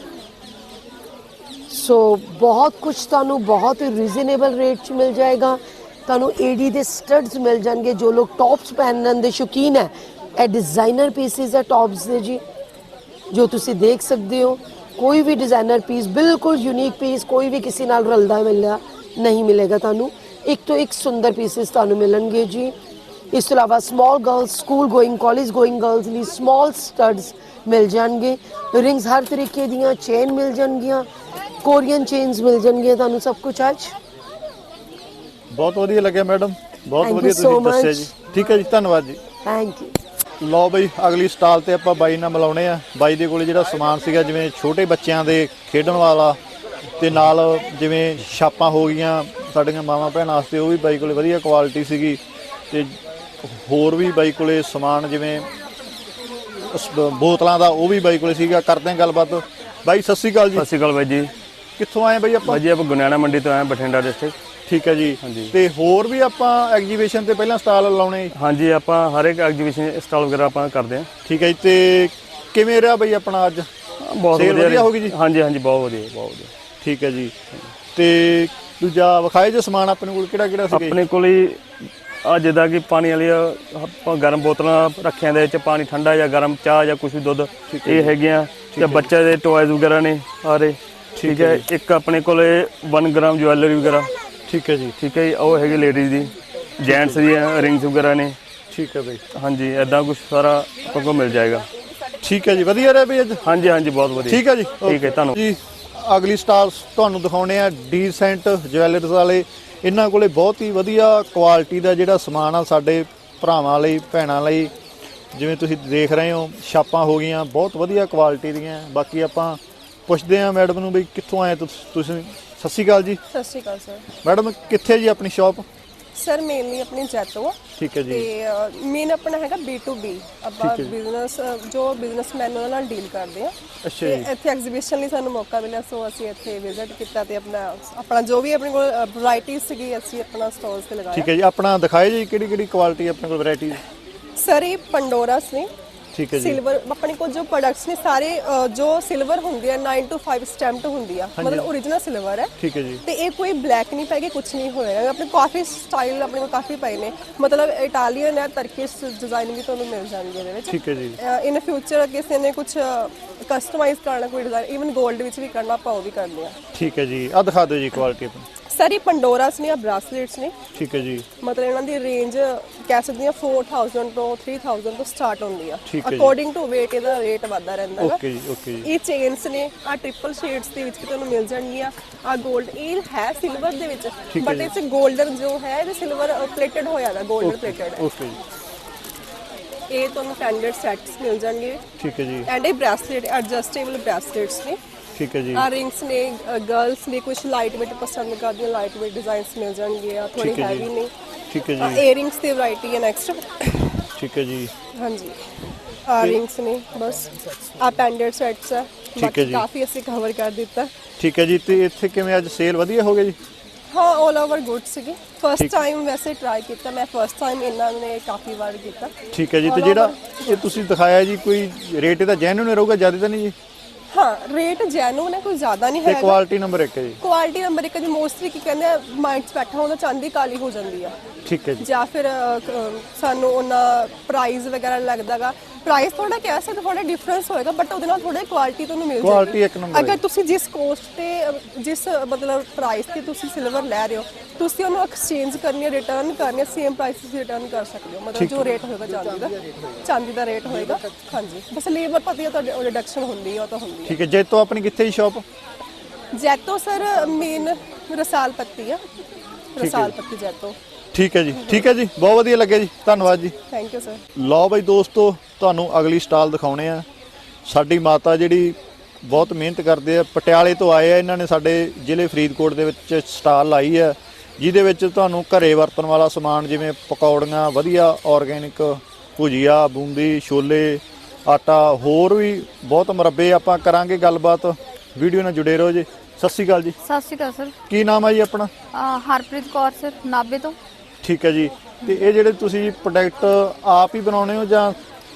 S7: ਸੋ ਬਹੁਤ ਕੁਝ ਤੁਹਾਨੂੰ ਬਹੁਤ ਹੀ ਰੀਜ਼ਨੇਬਲ ਰੇਟ 'ਚ ਮਿਲ ਜਾਏਗਾ। ਤੁਹਾਨੂੰ ਏਡੀ ਦੇ ਸਟੱਡਸ ਮਿਲ ਜਾਣਗੇ। ਜੋ ਲੋਕ ਟੌਪਸ ਪਹਿਨਣ ਦੇ ਸ਼ੌਕੀਨ ਹੈ, ਇਹ ਡਿਜ਼ਾਈਨਰ ਪੀਸਿਸ ਹੈ ਟੌਪਸ ਦੇ ਜੀ, ਜੋ ਤੁਸੀਂ ਦੇਖ ਸਕਦੇ ਹੋ। ਕੋਈ ਵੀ ਡਿਜ਼ਾਈਨਰ ਪੀਸ, ਬਿਲਕੁਲ ਯੂਨੀਕ ਪੀਸ, ਕੋਈ ਵੀ ਕਿਸੇ ਨਾਲ ਰਲਦਾ ਮਿਲਦਾ ਨਹੀਂ ਮਿਲੇਗਾ ਤੁਹਾਨੂੰ। ਇੱਕ ਤੋਂ ਇੱਕ ਸੁੰਦਰ ਪੀਸਿਸ ਤੁਹਾਨੂੰ ਮਿਲਣਗੇ ਜੀ। ਇਸ ਤੋਂ ਇਲਾਵਾ small girls, school going, college going girls ਲਈ ਸਮਾਲ ਸਟੱਡਸ ਮਿਲ ਜਾਣਗੇ। ਰਿੰਗਸ ਹਰ ਤਰੀਕੇ ਦੀਆਂ, ਚੇਨ ਮਿਲ ਜਾਣਗੀਆਂ, ਕੋਰੀਅਨ ਚੇਨਸ ਮਿਲ ਜਾਣਗੀਆਂ ਤੁਹਾਨੂੰ। ਸਭ ਕੁਝ ਅੱਜ
S2: ਬਹੁਤ ਵਧੀਆ ਲੱਗਿਆ ਮੈਡਮ, ਬਹੁਤ
S7: Thank
S2: ਵਧੀਆ
S7: you so
S2: ਤੁਸੀਂ ਦੱਸਿਆ
S7: much.
S2: ਜੀ। ਠੀਕ ਹੈ ਜੀ, ਧੰਨਵਾਦ ਜੀ।
S7: Thank you.
S2: ਲਓ ਬਈ, ਅਗਲੀ ਸਟਾਲ ਤੇ ਆਪਾਂ ਬਾਈ ਨਾਲ ਮਿਲਾਉਣੇ ਆ। ਬਾਈ ਦੇ ਕੋਲੇ ਜਿਹੜਾ ਸਮਾਨ ਸੀਗਾ, ਜਿਵੇਂ ਛੋਟੇ ਬੱਚਿਆਂ ਦੇ ਖੇਡਣ ਵਾਲਾ ਤੇ ਨਾਲ ਜਿਵੇਂ ਛਾਪਾਂ ਹੋ ਗਈਆਂ, ਸਾਡੀਆਂ ਮਾਵਾਂ ਭੈਣਾਂ ਵਾਸਤੇ ਉਹ ਵੀ ਬਾਈ ਕੋਲੇ ਵਧੀਆ ਕੁਆਲਿਟੀ ਸੀਗੀ ਤੇ ਹੋਰ ਵੀ ਬਾਈ ਕੋਲੇ ਸਮਾਨ ਜਿਵੇਂ ਉਸ ਬ- ਬੋਤਲਾਂ ਦਾ ਉਹ ਵੀ ਬਾਈ ਕੋਲੇ ਸੀਗਾ। ਕਰਦੇ ਹਾਂ ਗੱਲਬਾਤ। ਬਾਈ ਸਤਿ ਸ਼੍ਰੀ ਅਕਾਲ ਜੀ।
S8: ਸਤਿ ਸ਼੍ਰੀ ਅਕਾਲ ਬਾਈ ਜੀ।
S2: ਕਿੱਥੋਂ ਆਏ ਬਾਈ ਆਪਾਂ?
S8: ਬਾਈ ਜੀ ਆਪਾਂ ਗੁਨਿਆਣਾ ਮੰਡੀ ਤੋਂ ਆਏ ਬਠਿੰਡਾ ਡਿਸਟ੍ਰਿਕਟ।
S2: ਠੀਕ ਹੈ ਜੀ। ਤੇ ਹੋਰ ਵੀ ਆਪਾਂ ਐਗਜੀਬਿਸ਼ਨ ਤੇ ਪਹਿਲਾਂ ਸਟਾਲ ਲਾਉਣੇ?
S8: ਹਾਂਜੀ ਆਪਾਂ ਹਰ ਇੱਕ ਐਗਜੀਬਿਸ਼ਨ ਸਟਾਲ ਵਗੈਰਾ ਆਪਾਂ ਕਰਦੇ ਹਾਂ।
S2: ਠੀਕ ਹੈ ਜੀ। ਤੇ ਕਿਵੇਂ ਰਿਹਾ ਬਾਈ ਆਪਣਾ ਅੱਜ?
S8: ਬਹੁਤ
S2: Sale
S8: ਵਧੀਆ
S2: ਵਧੀਆ ਹੋ ਗਈ ਜੀ?
S8: ਹਾਂਜੀ ਹਾਂਜੀ ਬਹੁਤ ਵਧੀਆ ਬਹੁਤ ਵਧੀਆ।
S2: ਠੀਕ ਹੈ ਜੀ। ਤੇ ਦੂਜਾ ਵਿਖਾਏ ਜੇ ਸਮਾਨ ਆਪਣੇ ਕੋਲ ਕਿਹੜਾ ਕਿਹੜਾ ਸੀਗਾ?
S8: ਆਪਣੇ ਕੋਲ ਹੀ ਆ ਜਿੱਦਾਂ ਕਿ ਪਾਣੀ ਵਾਲੀ ਆਪਾਂ ਗਰਮ ਬੋਤਲਾਂ ਰੱਖਿਆਂ ਦੇ ਵਿੱਚ ਪਾਣੀ ਠੰਡਾ ਜਾਂ ਗਰਮ ਚਾਹ ਜਾਂ ਕੁਝ ਵੀ ਦੁੱਧ ਇਹ ਹੈਗੀਆਂ ਤੇ ਬੱਚੇ ਦੇ ਟੋਇਜ਼ ਵਗੈਰਾ ਨੇ ਸਾਰੇ। ਠੀਕ ਹੈ। ਇੱਕ ਆਪਣੇ ਕੋਲ ਇੱਕ ਗ੍ਰਾਮ ਜੁਐਲਰੀ ਵਗੈਰਾ।
S2: ਠੀਕ ਹੈ ਜੀ।
S8: ਠੀਕ ਹੈ ਜੀ। ਉਹ ਹੈਗੀ ਲੇਡੀਜ਼ ਦੀ, ਜੈਂਟਸ ਦੀਆਂ ਰਿੰਗਸ ਵਗੈਰਾ ਨੇ।
S2: ਠੀਕ ਹੈ ਬਾਈ।
S8: ਹਾਂਜੀ ਐਦਾਂ ਕੁਝ ਸਾਰਾ ਆਪਾਂ ਕੋਲ ਮਿਲ ਜਾਏਗਾ।
S2: ਠੀਕ ਹੈ ਜੀ। ਵਧੀਆ ਰਿਹਾ ਬਈ ਅੱਜ?
S8: ਹਾਂਜੀ ਹਾਂਜੀ ਬਹੁਤ ਵਧੀਆ।
S2: ਠੀਕ ਹੈ ਜੀ।
S8: ਠੀਕ ਹੈ ਧੰਨਵਾਦ
S2: ਜੀ। ਅਗਲੀ ਸਟਾਲਸ ਤੁਹਾਨੂੰ ਦਿਖਾਉਣੇ ਆ ਡੀਸੈਂਟ ਜਵੈਲਰਸ ਵਾਲੇ। ਇਹਨਾਂ ਕੋਲੇ ਬਹੁਤ ਹੀ ਵਧੀਆ ਕੁਆਲਿਟੀ ਦਾ ਜਿਹੜਾ ਸਮਾਨ ਆ ਸਾਡੇ ਭਰਾਵਾਂ ਲਈ ਭੈਣਾਂ ਲਈ। ਜਿਵੇਂ ਤੁਸੀਂ ਦੇਖ ਰਹੇ ਹੋ ਛਾਪਾਂ ਹੋ ਗਈਆਂ ਬਹੁਤ ਵਧੀਆ ਕੁਆਲਿਟੀ ਦੀਆਂ। ਬਾਕੀ ਆਪਾਂ ਪੁੱਛਦੇ ਆ ਮੈਡਮ ਨੂੰ ਬਈ ਕਿੱਥੋਂ ਆਏ ਤੁਸ- ਤੁਸੀਂ? ਸਤਿ ਸ਼੍ਰੀ ਅਕਾਲ ਜੀ।
S4: ਸਤਿ ਸ਼੍ਰੀ ਅਕਾਲ ਸਰ।
S2: ਮੈਡਮ ਕਿੱਥੇ ਜੀ ਆਪਣੀ ਸ਼ਾਪ?
S4: ਸਰ ਮੇਨਲੀ ਆਪਣੀ ਜੈਤੋ ਆ
S2: ਠੀਕ ਹੈ ਜੀ।
S4: ਤੇ ਮੇਨ ਆਪਣਾ ਹੈਗਾ ਬੀ ਟੂ ਬੀ। ਆਪਾਂ ਬਿਜ਼ਨਸ ਜੋ ਬਿਜ਼ਨਸਮੈਨ ਉਹਨਾਂ ਨਾਲ ਡੀਲ ਕਰਦੇ ਆ।
S2: ਅੱਛਾ
S4: ਤੇ
S2: ਜੀ।
S4: ਇੱਥੇ ਐਗਜ਼ੀਬਿਸ਼ਨ ਲਈ ਸਾਨੂੰ ਮੌਕਾ ਮਿਲਿਆ ਸੋ ਅਸੀਂ ਇੱਥੇ ਵਿਜ਼ਿਟ ਕੀਤਾ ਤੇ ਆਪਣਾ ਆਪਣਾ ਜੋ ਵੀ ਆਪਣੇ ਕੋਲ ਵੈਰਾਈਟੀ ਸੀਗੀ ਅਸੀਂ ਆਪਣਾ ਸਟਾਲਸ ਤੇ ਲਗਾਇਆ।
S2: ਠੀਕ ਹੈ ਜੀ। ਆਪਣਾ ਦਿਖਾਏ ਜੀ ਕਿਹੜੀ ਕਿਹੜੀ ਕੁਆਲਿਟੀ ਆਪਣੇ ਕੋਲ ਵੈਰਾਈਟੀ?
S4: ਸਰ ਇਹ ਪੰਡੋਰਾਸ ਨੇ।
S2: ਠੀਕ ਹੈ ਜੀ।
S4: ਸਿਲਵਰ ਆਪਣੇ ਕੋਲ ਜੋ ਪ੍ਰੋਡਕਟਸ ਨੇ ਸਾਰੇ ਅ, ਜੋ ਸਿਲਵਰ ਹੁੰਦੀ ਹੈ ਨਾइन टू फाइव ਸਟੈਂਪਡ ਹੁੰਦੀ ਆ ਮਤਲਬ ਓਰੀਜਨਲ ਸਿਲਵਰ ਹੈ।
S2: ਠੀਕ ਹੈ ਜੀ।
S4: ਤੇ ਇਹ ਕੋਈ ਬਲੈਕ ਨਹੀਂ ਪੈਗੀ ਕੁਝ ਨਹੀਂ ਹੋਏਗਾ। ਆਪਣੇ ਕਾਫੀ ਸਟਾਈਲ ਆਪਣੇ ਕੋਲ ਕਾਫੀ ਪਏ ਨੇ ਮਤਲਬ ਇਟਾਲੀਅਨ ਹੈ ਤਰਕਿਸ਼ ਡਿਜ਼ਾਈਨ ਵੀ ਤੁਹਾਨੂੰ ਮਿਲ ਜਾਣਗੇ ਇਹਦੇ ਵਿੱਚ।
S2: ਠੀਕ ਹੈ ਜੀ।
S4: ਇਨ ਫਿਊਚਰ ਕਿਸੇ ਨੇ ਕੁਝ ਕਸਟਮਾਈਜ਼ ਕਰਨਾ ਕੋਈ ਡਿਜ਼ਾਈਨ ਈਵਨ 골ਡ ਵਿੱਚ ਵੀ ਕਰਨਾ ਆਪਾਂ ਉਹ ਵੀ ਕਰਦੇ ਆ।
S2: ਠੀਕ ਹੈ ਜੀ। ਆ ਦਿਖਾ ਦਿਓ ਜੀ ਕੁਆਲਿਟੀ ਆਪਣੀ।
S4: ਸਰ ਇਹ ਪੰਡੋਰਾਸ ਨੇ ਆ ਬ੍ਰਾਸਲੇਟਸ ਨੇ।
S2: ਠੀਕ ਹੈ ਜੀ।
S4: ਮਤਲਬ ਇਹਨਾਂ ਦੀ ਰੇਂਜ ਕਹਿ ਸਕਦੇ ਆ four thousand ਤੋਂ three thousand ਤੋਂ ਸਟਾਰਟ ਹੁੰਦੀ ਆ।
S2: ਠੀਕ ਹੈ ਜੀ।
S4: ਅਕੋਰਡਿੰਗ ਟੂ weight ਇਹਦਾ ਰੇਟ ਵੱਧਦਾ ਰਹਿੰਦਾ ਹੈ।
S2: ਓਕੇ ਜੀ। ਓਕੇ ਜੀ।
S4: ਇਹ ਚੇਨਸ ਨੇ ਆ ਟ੍ਰਿਪਲ ਸ਼ੇਡਸ ਦੇ ਵਿੱਚ ਵੀ ਤੁਹਾਨੂੰ ਮਿਲ ਜਾਣਗੀਆਂ। ਆ 골ਡ ਇਹ ਹੈ ਸਿਲਵਰ ਦੇ ਵਿੱਚ ਬਟ ਇਸ 골ਡਨ ਜੋ ਹੈ ਇਹ ਸਿਲਵਰ ਪਲੇਟਡ ਹੋਇਆ ਦਾ 골ਡਨ ਪਲੇਟਡ ਹੈ।
S2: ਓਕੇ ਜੀ।
S4: ਇਹ ਤੁਹਾਨੂੰ ਪੈਂਡੈਂਟ ਸੈਟਸ ਮਿਲ ਜਾਣਗੇ।
S2: ਠੀਕ ਹੈ ਜੀ।
S4: ਐਂਡ ਇਹ ਬ੍ਰੈਸਲੇਟ ਐਡਜਸਟੇਬਲ ਬ੍ਰੈਸਲੇਟਸ ਨੇ।
S2: ਠੀਕ ਹੈ ਜੀ।
S4: ਆ ਰਿੰਗਸ ਨੇ ਗਰਲਸ ਨੇ ਕੁਝ ਲਾਈਟ ਵੇਟ ਪਸੰਦ ਕਰਦੀਆਂ ਲਾਈਟ ਵੇਟ ਡਿਜ਼ਾਈਨਸ ਮਿਲ ਜਾਣਗੇ ਆ ਥੋੜੀ
S2: ਠੀਕ ਹੈ ਜੀ।
S4: ਹੈਵੀ ਨੇ।
S2: ਠੀਕ ਹੈ
S4: ਆ
S2: ਜੀ।
S4: ਏਅਰਿੰਗਸ ਦੀ ਵੈਰਾਈਟੀ ਹੈ ਨੈਕਸਟ।
S2: ਠੀਕ ਹੈ ਜੀ।
S4: ਹਾਂਜੀ ਆ ਰਿੰਗਸ ਨੇ ਬਸ ਆ ਪੈਂਡੈਂਟ ਸੈਟਸ ਆ।
S2: ਠੀਕ ਹੈ
S4: ਬਾਕੀ
S2: ਜੀ।
S4: ਕਾਫੀ ਅਸੀਂ ਕਵਰ ਕਰ ਦਿੱਤਾ।
S2: ਠੀਕ ਹੈ ਜੀ। ਤੇ ਇੱਥੇ ਕਿਵੇਂ ਅੱਜ ਸੇਲ ਵਧੀਆ ਹੋ ਗਿਆ ਜੀ?
S4: ਹਾਂ ਆਲ ਓਵਰ ਗੁੱਡ ਸੀਗੀ। ਫਸਟ ਟਾਈਮ ਵੈਸੇ ਟਰਾਈ ਕੀਤਾ ਮੈਂ ਫਸਟ ਟਾਈਮ ਇਹਨਾਂ ਨੇ ਕਾਫੀ ਵਾਰ ਕੀਤਾ।
S2: ਠੀਕ ਹੈ ਜੀ। ਤੇ
S4: All
S2: ਜਿਹੜਾ
S4: over-
S2: ਇਹ ਤੁਸੀਂ ਦਿਖਾਇਆ ਜੀ ਕੋਈ ਰੇਟ ਇਹਦਾ ਜੈਨੂਨ ਰਹੂਗਾ ਜ਼ਿਆਦਾ ਤਾਂ ਨਹੀਂ ਜੀ?
S4: ਹਾਂ ਰੇਟ ਜੈਨੂਨ ਹੈ ਕੋਈ ਜ਼ਿਆਦਾ ਨਹੀਂ
S2: ਤੇ
S4: ਹੈਗਾ।
S2: ਕੁਆਲਿਟੀ ਨੰਬਰ ਇੱਕ ਹੈ ਜੀ।
S4: ਕੁਆਲਿਟੀ ਨੰਬਰ ਇੱਕ ਜੀ ਮੋਸਟਲੀ ਕੀ ਕਹਿੰਦੇ ਆ ਮਾਈਂਡ 'ਚ ਬੈਠਾ ਹੁੰਦਾ ਚਾਂਦੀ ਕਾਲੀ ਹੋ ਜਾਂਦੀ ਆ
S2: ਠੀਕ ਹੈ ਜੀ।
S4: ਜਾਂ ਫਿਰ ਅ, ਕ- ਸਾਨੂੰ ਉਹਨਾਂ ਪ੍ਰਾਈਸ ਵਗੈਰਾ ਲੱਗਦਾਗਾ। ਪ੍ਰਾਈਸ ਥੋੜਾ ਕਹਿ ਸਕਦੇ ਥੋੜਾ ਡਿਫਰੈਂਸ ਹੋਏਗਾ ਬਟ ਉਹਦੇ ਨਾਲ ਥੋੜੀ ਕੁਆਲਿਟੀ ਤੁਹਾਨੂੰ ਮਿਲ ਜਾਏਗੀ।
S2: Quality ਇੱਕ number
S4: ਅਗਰ
S2: ਹੈ।
S4: ਤੁਸੀਂ ਜਿਸ ਕੋਸਟ ਤੇ ਅ, ਜਿਸ ਮਤਲਬ ਪ੍ਰਾਈਸ ਤੇ ਤੁਸੀਂ ਸਿਲਵਰ ਲੈ ਰਹੇ ਹੋ ਤੁਸੀਂ ਉਹਨੂੰ ਐਕਸਚੇਂਜ ਕਰਨੀ ਹੈ ਰਿਟਰਨ ਕਰਨੀ ਹੈ ਸੇਮ ਪ੍ਰਾਈਸ ਤੁਸੀਂ ਰਿਟਰਨ ਕਰ ਸਕਦੇ ਹੋ ਮਤਲਬ ਜੋ ਰੇਟ ਹੋਏਗਾ ਚਾਂਦੀ ਦਾ ਚਾਂਦੀ ਦਾ ਰੇਟ ਹੋਏਗਾ। ਹਾਂਜੀ ਬਸ ਲੇਬਰ ਪਤੀ ਤੁਹਾਡੇ ਰਿਡਕਸ਼ਨ ਹੁੰਦੀ ਹੈ ਉਹ ਤਾਂ ਹੁੰਦੀ ਹੈ।
S2: ਠੀਕ ਹੈ। ਜੈਤੋ ਆਪਣੀ ਕਿੱਥੇ ਜੀ shop?
S4: Jaito sir main Rasal Patti ਆ ਰਸਾਲ ਪੱਤੀ ਜੈਤੋ।
S2: ਠੀਕ ਹੈ ਜੀ। ਠੀਕ ਹੈ ਜੀ। ਬਹੁਤ ਵਧੀਆ ਲੱਗਿਆ ਜੀ। ਧੰਨਵਾਦ ਜੀ।
S4: Thank you sir.
S2: ਲਓ ਬਈ ਦੋਸਤੋ ਤੁਹਾਨੂੰ ਅਗਲੀ ਸਟਾਲ ਦਿਖਾਉਣੇ ਆ। ਸਾਡੀ ਮਾਤਾ ਜਿਹੜੀ ਬਹੁਤ ਮਿਹਨਤ ਕਰਦੇ ਆ ਪਟਿਆਲੇ ਤੋਂ ਆਏ ਆ। ਇਹਨਾਂ ਨੇ ਸਾਡੇ ਜ਼ਿਲ੍ਹੇ ਫਰੀਦਕੋਟ ਦੇ ਵਿੱਚ ਸਟਾਲ ਲਾਈ ਹੈ ਜਿਹਦੇ ਵਿੱਚ ਤੁਹਾਨੂੰ ਘਰੇ ਵਰਤਣ ਵਾਲਾ ਸਮਾਨ ਜਿਵੇਂ ਪਕੌੜੀਆਂ ਵਧੀਆ ਆਰਗੈਨਿਕ ਭੁਜੀਆ ਬੂੰਦੀ ਛੋਲੇ ਆਟਾ ਹੋਰ ਵੀ ਬਹੁਤ ਮੁਰੱਬੇ ਆਪਾਂ ਕਰਾਂਗੇ ਗੱਲਬਾਤ। ਵੀਡੀਓ ਨਾਲ ਜੁੜੇ ਰਹੋ ਜੀ। ਸਤਿ ਸ਼੍ਰੀ ਅਕਾਲ ਜੀ।
S1: ਸਤਿ ਸ਼੍ਰੀ ਅਕਾਲ ਸਰ।
S2: ਕੀ ਨਾਮ ਹੈ ਜੀ ਆਪਣਾ?
S1: ਅਹ ਹਰਪ੍ਰੀਤ ਕੌਰ ਸਰ ਨਾਭੇ ਤੋਂ।
S2: ਠੀਕ ਹੈ ਜੀ। ਤੇ ਇਹ ਜਿਹੜੇ ਤੁਸੀਂ ਪ੍ਰੋਡਕਟ ਆਪ ਹੀ ਬਣਾਉਣੇ ਹੋ ਜਾਂ?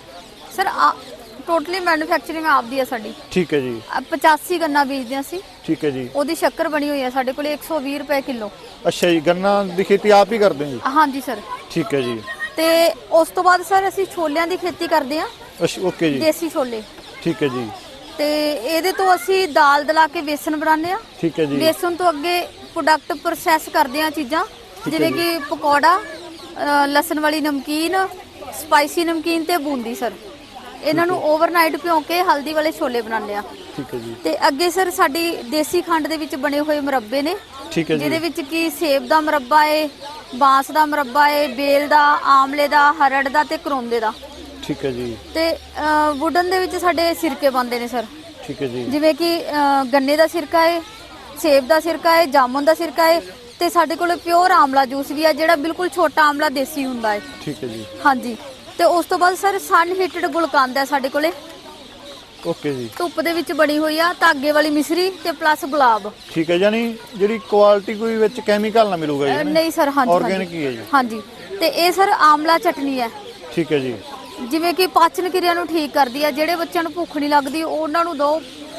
S1: ਸਰ ਟੋਟਲੀ ਮੈਨੂਫੈਕਚਰਿੰਗ ਆਪਦੀ ਹੈ ਸਾਡੀ।
S2: ਠੀਕ ਹੈ ਜੀ।
S1: ਅਹ ਪਚਾਸੀ ਗੰਨਾ ਬੀਜਦੇ ਹਾਂ ਅਸੀਂ।
S2: ਠੀਕ ਹੈ ਜੀ।
S1: ਉਹਦੀ ਸ਼ੱਕਰ ਬਣੀ ਹੋਈ ਹੈ ਸਾਡੇ ਕੋਲੇ ਇੱਕ ਸੌ ਵੀਹ ਰੁਪਏ ਕਿਲੋ।
S2: ਅੱਛਾ ਜੀ। ਗੰਨਾ ਦੀ ਖੇਤੀ ਆਪ ਹੀ ਕਰਦੇ ਹੋ ਜੀ?
S1: ਹਾਂਜੀ ਸਰ।
S2: ਠੀਕ ਹੈ ਜੀ।
S1: ਤੇ ਉਸ ਤੋਂ ਬਾਅਦ ਸਰ ਅਸੀਂ ਛੋਲਿਆਂ ਦੀ ਖੇਤੀ ਕਰਦੇ ਹਾਂ
S2: ਅੱਛਾ ਓਕੇ ਜੀ।
S1: ਦੇਸੀ ਛੋਲੇ।
S2: ਠੀਕ ਹੈ ਜੀ।
S1: ਤੇ ਇਹਦੇ ਤੋਂ ਅਸੀਂ ਦਾਲ ਦਲਾ ਕੇ ਬੇਸਨ ਬਣਾਉਂਦੇ ਆ।
S2: ਠੀਕ ਹੈ ਜੀ।
S1: ਬੇਸਨ ਤੋਂ ਅੱਗੇ ਪ੍ਰੋਡਕਟ ਪ੍ਰੋਸੈਸ ਕਰਦੇ ਆ ਚੀਜ਼ਾਂ ਜਿਵੇਂ ਕਿ ਪਕੌੜਾ ਅ, ਲਸਣ ਵਾਲੀ ਨਮਕੀਨ ਸਪਾਈਸੀ ਨਮਕੀਨ ਤੇ ਬੂੰਦੀ ਸਰ। ਇਹਨਾਂ ਨੂੰ ਓਵਰਨਾਈਟ ਭਿਓ ਕੇ ਹਲਦੀ ਵਾਲੇ ਛੋਲੇ ਬਣਾਉਂਦੇ ਆ।
S2: ਠੀਕ ਹੈ ਜੀ।
S1: ਤੇ ਅੱਗੇ ਸਰ ਸਾਡੀ ਦੇਸੀ ਖੰਡ ਦੇ ਵਿੱਚ ਬਣੇ ਹੋਏ ਮੁਰੱਬੇ ਨੇ
S2: ਠੀਕ ਹੈ ਜੀ।
S1: ਜਿਹਦੇ ਵਿੱਚ ਕੀ ਸੇਬ ਦਾ ਮੁਰੱਬਾ ਏ ਬਾਂਸ ਦਾ ਮੁਰੱਬਾ ਏ ਬੇਲ ਦਾ ਆਮਲੇ ਦਾ ਹਰੜ ਦਾ ਤੇ ਕਰੋਂਦੇ ਦਾ।
S2: ਠੀਕ ਹੈ ਜੀ।
S1: ਤੇ ਵੁਡਨ ਦੇ ਵਿੱਚ ਸਾਡੇ ਸਿਰਕੇ ਬਣਦੇ ਨੇ ਸਰ
S2: ਠੀਕ ਹੈ ਜੀ।
S1: ਜਿਵੇਂ ਕਿ ਅ, ਗੰਨੇ ਦਾ ਸਿਰਕਾ ਹੈ ਸੇਬ ਦਾ ਸਿਰਕਾ ਹੈ ਜਾਮੁਨ ਦਾ ਸਿਰਕਾ ਹੈ ਤੇ ਸਾਡੇ ਕੋਲੇ ਪਿਓਰ ਆਮਲਾ ਜੂਸ ਵੀ ਆ ਜਿਹੜਾ ਬਿਲਕੁਲ ਛੋਟਾ ਆਮਲਾ ਦੇਸੀ ਹੁੰਦਾ ਹੈ।
S2: ਠੀਕ ਹੈ ਜੀ।
S1: ਹਾਂਜੀ, ਤੇ ਉਸ ਤੋਂ ਬਾਅਦ ਸਰ ਸਨ ਹੀਟਡ ਗੁਲਕੰਦ ਹੈ ਸਾਡੇ ਕੋਲੇ,
S2: ਓਕੇ ਜੀ।
S1: ਧੁੱਪ ਦੇ ਵਿੱਚ ਬਣੀ ਹੋਈ ਆ, ਧਾਗੇ ਵਾਲੀ ਮਿਸਰੀ ਤੇ ਪਲੱਸ ਗੁਲਾਬ।
S2: ਠੀਕ ਹੈ, ਯਾਨੀ ਜਿਹੜੀ ਕੁਆਲਿਟੀ ਕੋਈ ਵਿੱਚ ਕੈਮੀਕਲ ਨਾ ਮਿਲੂਗਾ
S1: ਅਹ
S2: ਜੀ?
S1: ਨਹੀਂ ਸਰ, ਹਾਂਜੀ
S2: ਆਰਗੈਨਿਕ ਹੀ ਹੈ ਜੀ।
S1: ਹਾਂਜੀ, ਤੇ ਇਹ ਸਰ ਆਮਲਾ ਚਟਨੀ ਹੈ।
S2: ਠੀਕ ਹੈ ਜੀ।
S1: ਜਿਵੇਂ ਕਿ ਪਾਚਨ ਕਿਰਿਆ ਨੂੰ ਠੀਕ ਕਰਦੀ ਹੈ, ਜਿਹੜੇ ਬੱਚਿਆਂ ਨੂੰ ਭੁੱਖ ਨਹੀਂ ਲੱਗਦੀ ਉਹਨਾਂ ਨੂੰ ਦਿਓ।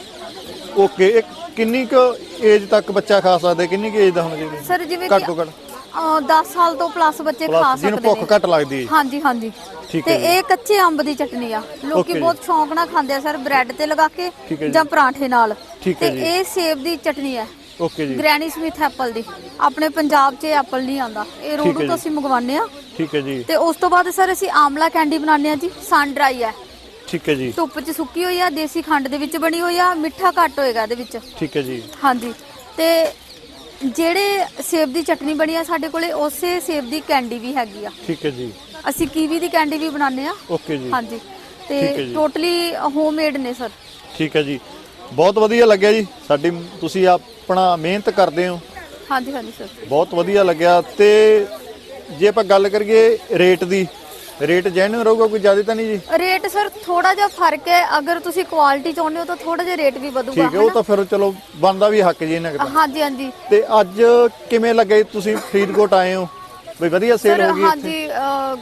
S2: ਓਕੇ, ਇੱਕ ਕਿੰਨੀ ਕੁ ਏਜ ਤੱਕ ਬੱਚਾ ਖਾ ਸਕਦਾ, ਕਿੰਨੀ ਕੁ ਏਜ ਦਾ ਹੋਣਾ ਚਾਹੀਦਾ
S1: ਸਰ ਜਿਵੇਂ
S2: ਘੱਟ
S1: ਕਿ
S2: ਤੋਂ ਘੱਟ?
S1: ਅਹ ਦਸ ਸਾਲ ਤੋਂ ਪਲੱਸ ਬੱਚੇ ਖਾ
S2: ਪਲੱਸ ਜਿਹਨੂੰ
S1: ਸਕਦੇ
S2: ਭੁੱਖ ਘੱਟ ਲੱਗਦੀ ਹੈ।
S1: ਹਾਂਜੀ ਹਾਂਜੀ।
S2: ਠੀਕ
S1: ਤੇ
S2: ਹੈ ਜੀ।
S1: ਇਹ ਕੱਚੇ ਅੰਬ ਦੀ ਚਟਨੀ ਆ, ਲੋਕੀ
S2: Okay
S1: ਬਹੁਤ ਸ਼ੌਂਕ ਨਾਲ ਖਾਂਦੇ ਆ ਸਰ, ਬ੍ਰੈਡ ਤੇ ਲਗਾ ਕੇ
S2: ਠੀਕ ਹੈ ਜੀ।
S1: ਜਾਂ ਪਰਾਂਠੇ ਨਾਲ।
S2: ਠੀਕ
S1: ਤੇ
S2: ਹੈ ਜੀ।
S1: ਇਹ ਸੇਬ ਦੀ ਚਟਨੀ ਹੈ,
S2: ਓਕੇ ਜੀ।
S1: ਗ੍ਰੈਨੀ ਸਮਿਥ ਐਪਲ ਦੀ। ਆਪਣੇ ਪੰਜਾਬ 'ਚ ਐਪਲ ਨਹੀਂ ਆਂਦਾ, ਇਹ
S2: ਠੀਕ ਹੈ
S1: ਰੋਡੂ
S2: ਜੀ।
S1: ਤੋਂ ਅਸੀਂ ਮੰਗਵਾਉਂਦੇ ਆ।
S2: ਠੀਕ ਹੈ ਜੀ।
S1: ਤੇ ਉਸ ਤੋਂ ਬਾਅਦ ਸਰ ਅਸੀਂ ਆਮਲਾ ਕੈਂਡੀ ਬਣਾਉਂਦੇ ਆ ਜੀ, ਸਨ ਡਰਾਈ ਹੈ,
S2: ਠੀਕ ਹੈ ਜੀ।
S1: ਧੁੱਪ 'ਚ ਸੁੱਕੀ ਹੋਈ ਆ, ਦੇਸੀ ਖੰਡ ਦੇ ਵਿੱਚ ਬਣੀ ਹੋਈ ਆ, ਮਿੱਠਾ ਘੱਟ ਹੋਏਗਾ ਇਹਦੇ ਵਿੱਚ।
S2: ਠੀਕ ਹੈ ਜੀ।
S1: ਹਾਂਜੀ, ਤੇ ਜਿਹੜੇ ਸੇਬ ਦੀ ਚਟਨੀ ਬਣੀ ਆ ਸਾਡੇ ਕੋਲੇ, ਉਸੇ ਸੇਬ ਦੀ ਕੈਂਡੀ ਵੀ ਹੈਗੀ ਆ।
S2: ਠੀਕ ਹੈ ਜੀ।
S1: ਅਸੀਂ ਕੀਵੀ ਦੀ ਕੈਂਡੀ ਵੀ ਬਣਾਉਂਦੇ ਆ।
S2: ਓਕੇ ਜੀ।
S1: ਹਾਂਜੀ,
S2: ਠੀਕ ਹੈ
S1: ਤੇ
S2: ਜੀ।
S1: ਟੋਟਲੀ ਹੋਮਮੇਡ ਨੇ ਸਰ।
S2: ਠੀਕ ਹੈ ਜੀ, ਬਹੁਤ ਵਧੀਆ ਲੱਗਿਆ ਜੀ। ਸਾਡੀ ਤੁਸੀਂ ਆਪਣਾ ਮਿਹਨਤ ਕਰਦੇ ਹੋ,
S1: ਹਾਂਜੀ ਹਾਂਜੀ ਸਰ।
S2: ਬਹੁਤ ਵਧੀਆ ਲੱਗਿਆ। ਤੇ ਜੇ ਆਪਾਂ ਗੱਲ ਕਰੀਏ ਰੇਟ ਦੀ, ਰੇਟ ਜੈਨੂਇਨ ਰਹੂਗਾ, ਕੋਈ ਜ਼ਿਆਦਾ ਤਾਂ ਨਹੀਂ ਜੀ?
S1: ਰੇਟ ਸਰ ਥੋੜਾ ਜਿਹਾ ਫਰਕ ਹੈ, ਅਗਰ ਤੁਸੀਂ ਕੁਆਲਿਟੀ ਚਾਹੁੰਦੇ ਹੋ ਤਾਂ ਥੋੜਾ ਜਿਹਾ ਰੇਟ ਵੀ ਵਧੂਗਾ।
S2: ਠੀਕ ਹੈ, ਉਹ ਤਾਂ ਫਿਰ ਚਲੋ ਬਣਦਾ ਵੀ ਹੱਕ ਜੀ ਇਹਨਾਂ ਦਾ।
S1: ਹਾਂਜੀ ਹਾਂਜੀ
S2: ਤੇ ਅੱਜ ਕਿਵੇਂ ਲੱਗੇ ਤੁਸੀਂ ਫਰੀਦਕੋਟ ਆਏ ਹੋ, ਬਈ ਵਧੀਆ ਸੇਲ
S1: ਸਰ।
S2: ਹੋ ਗਈ ਇੱਥੇ?
S1: ਹਾਂਜੀ, ਅਹ,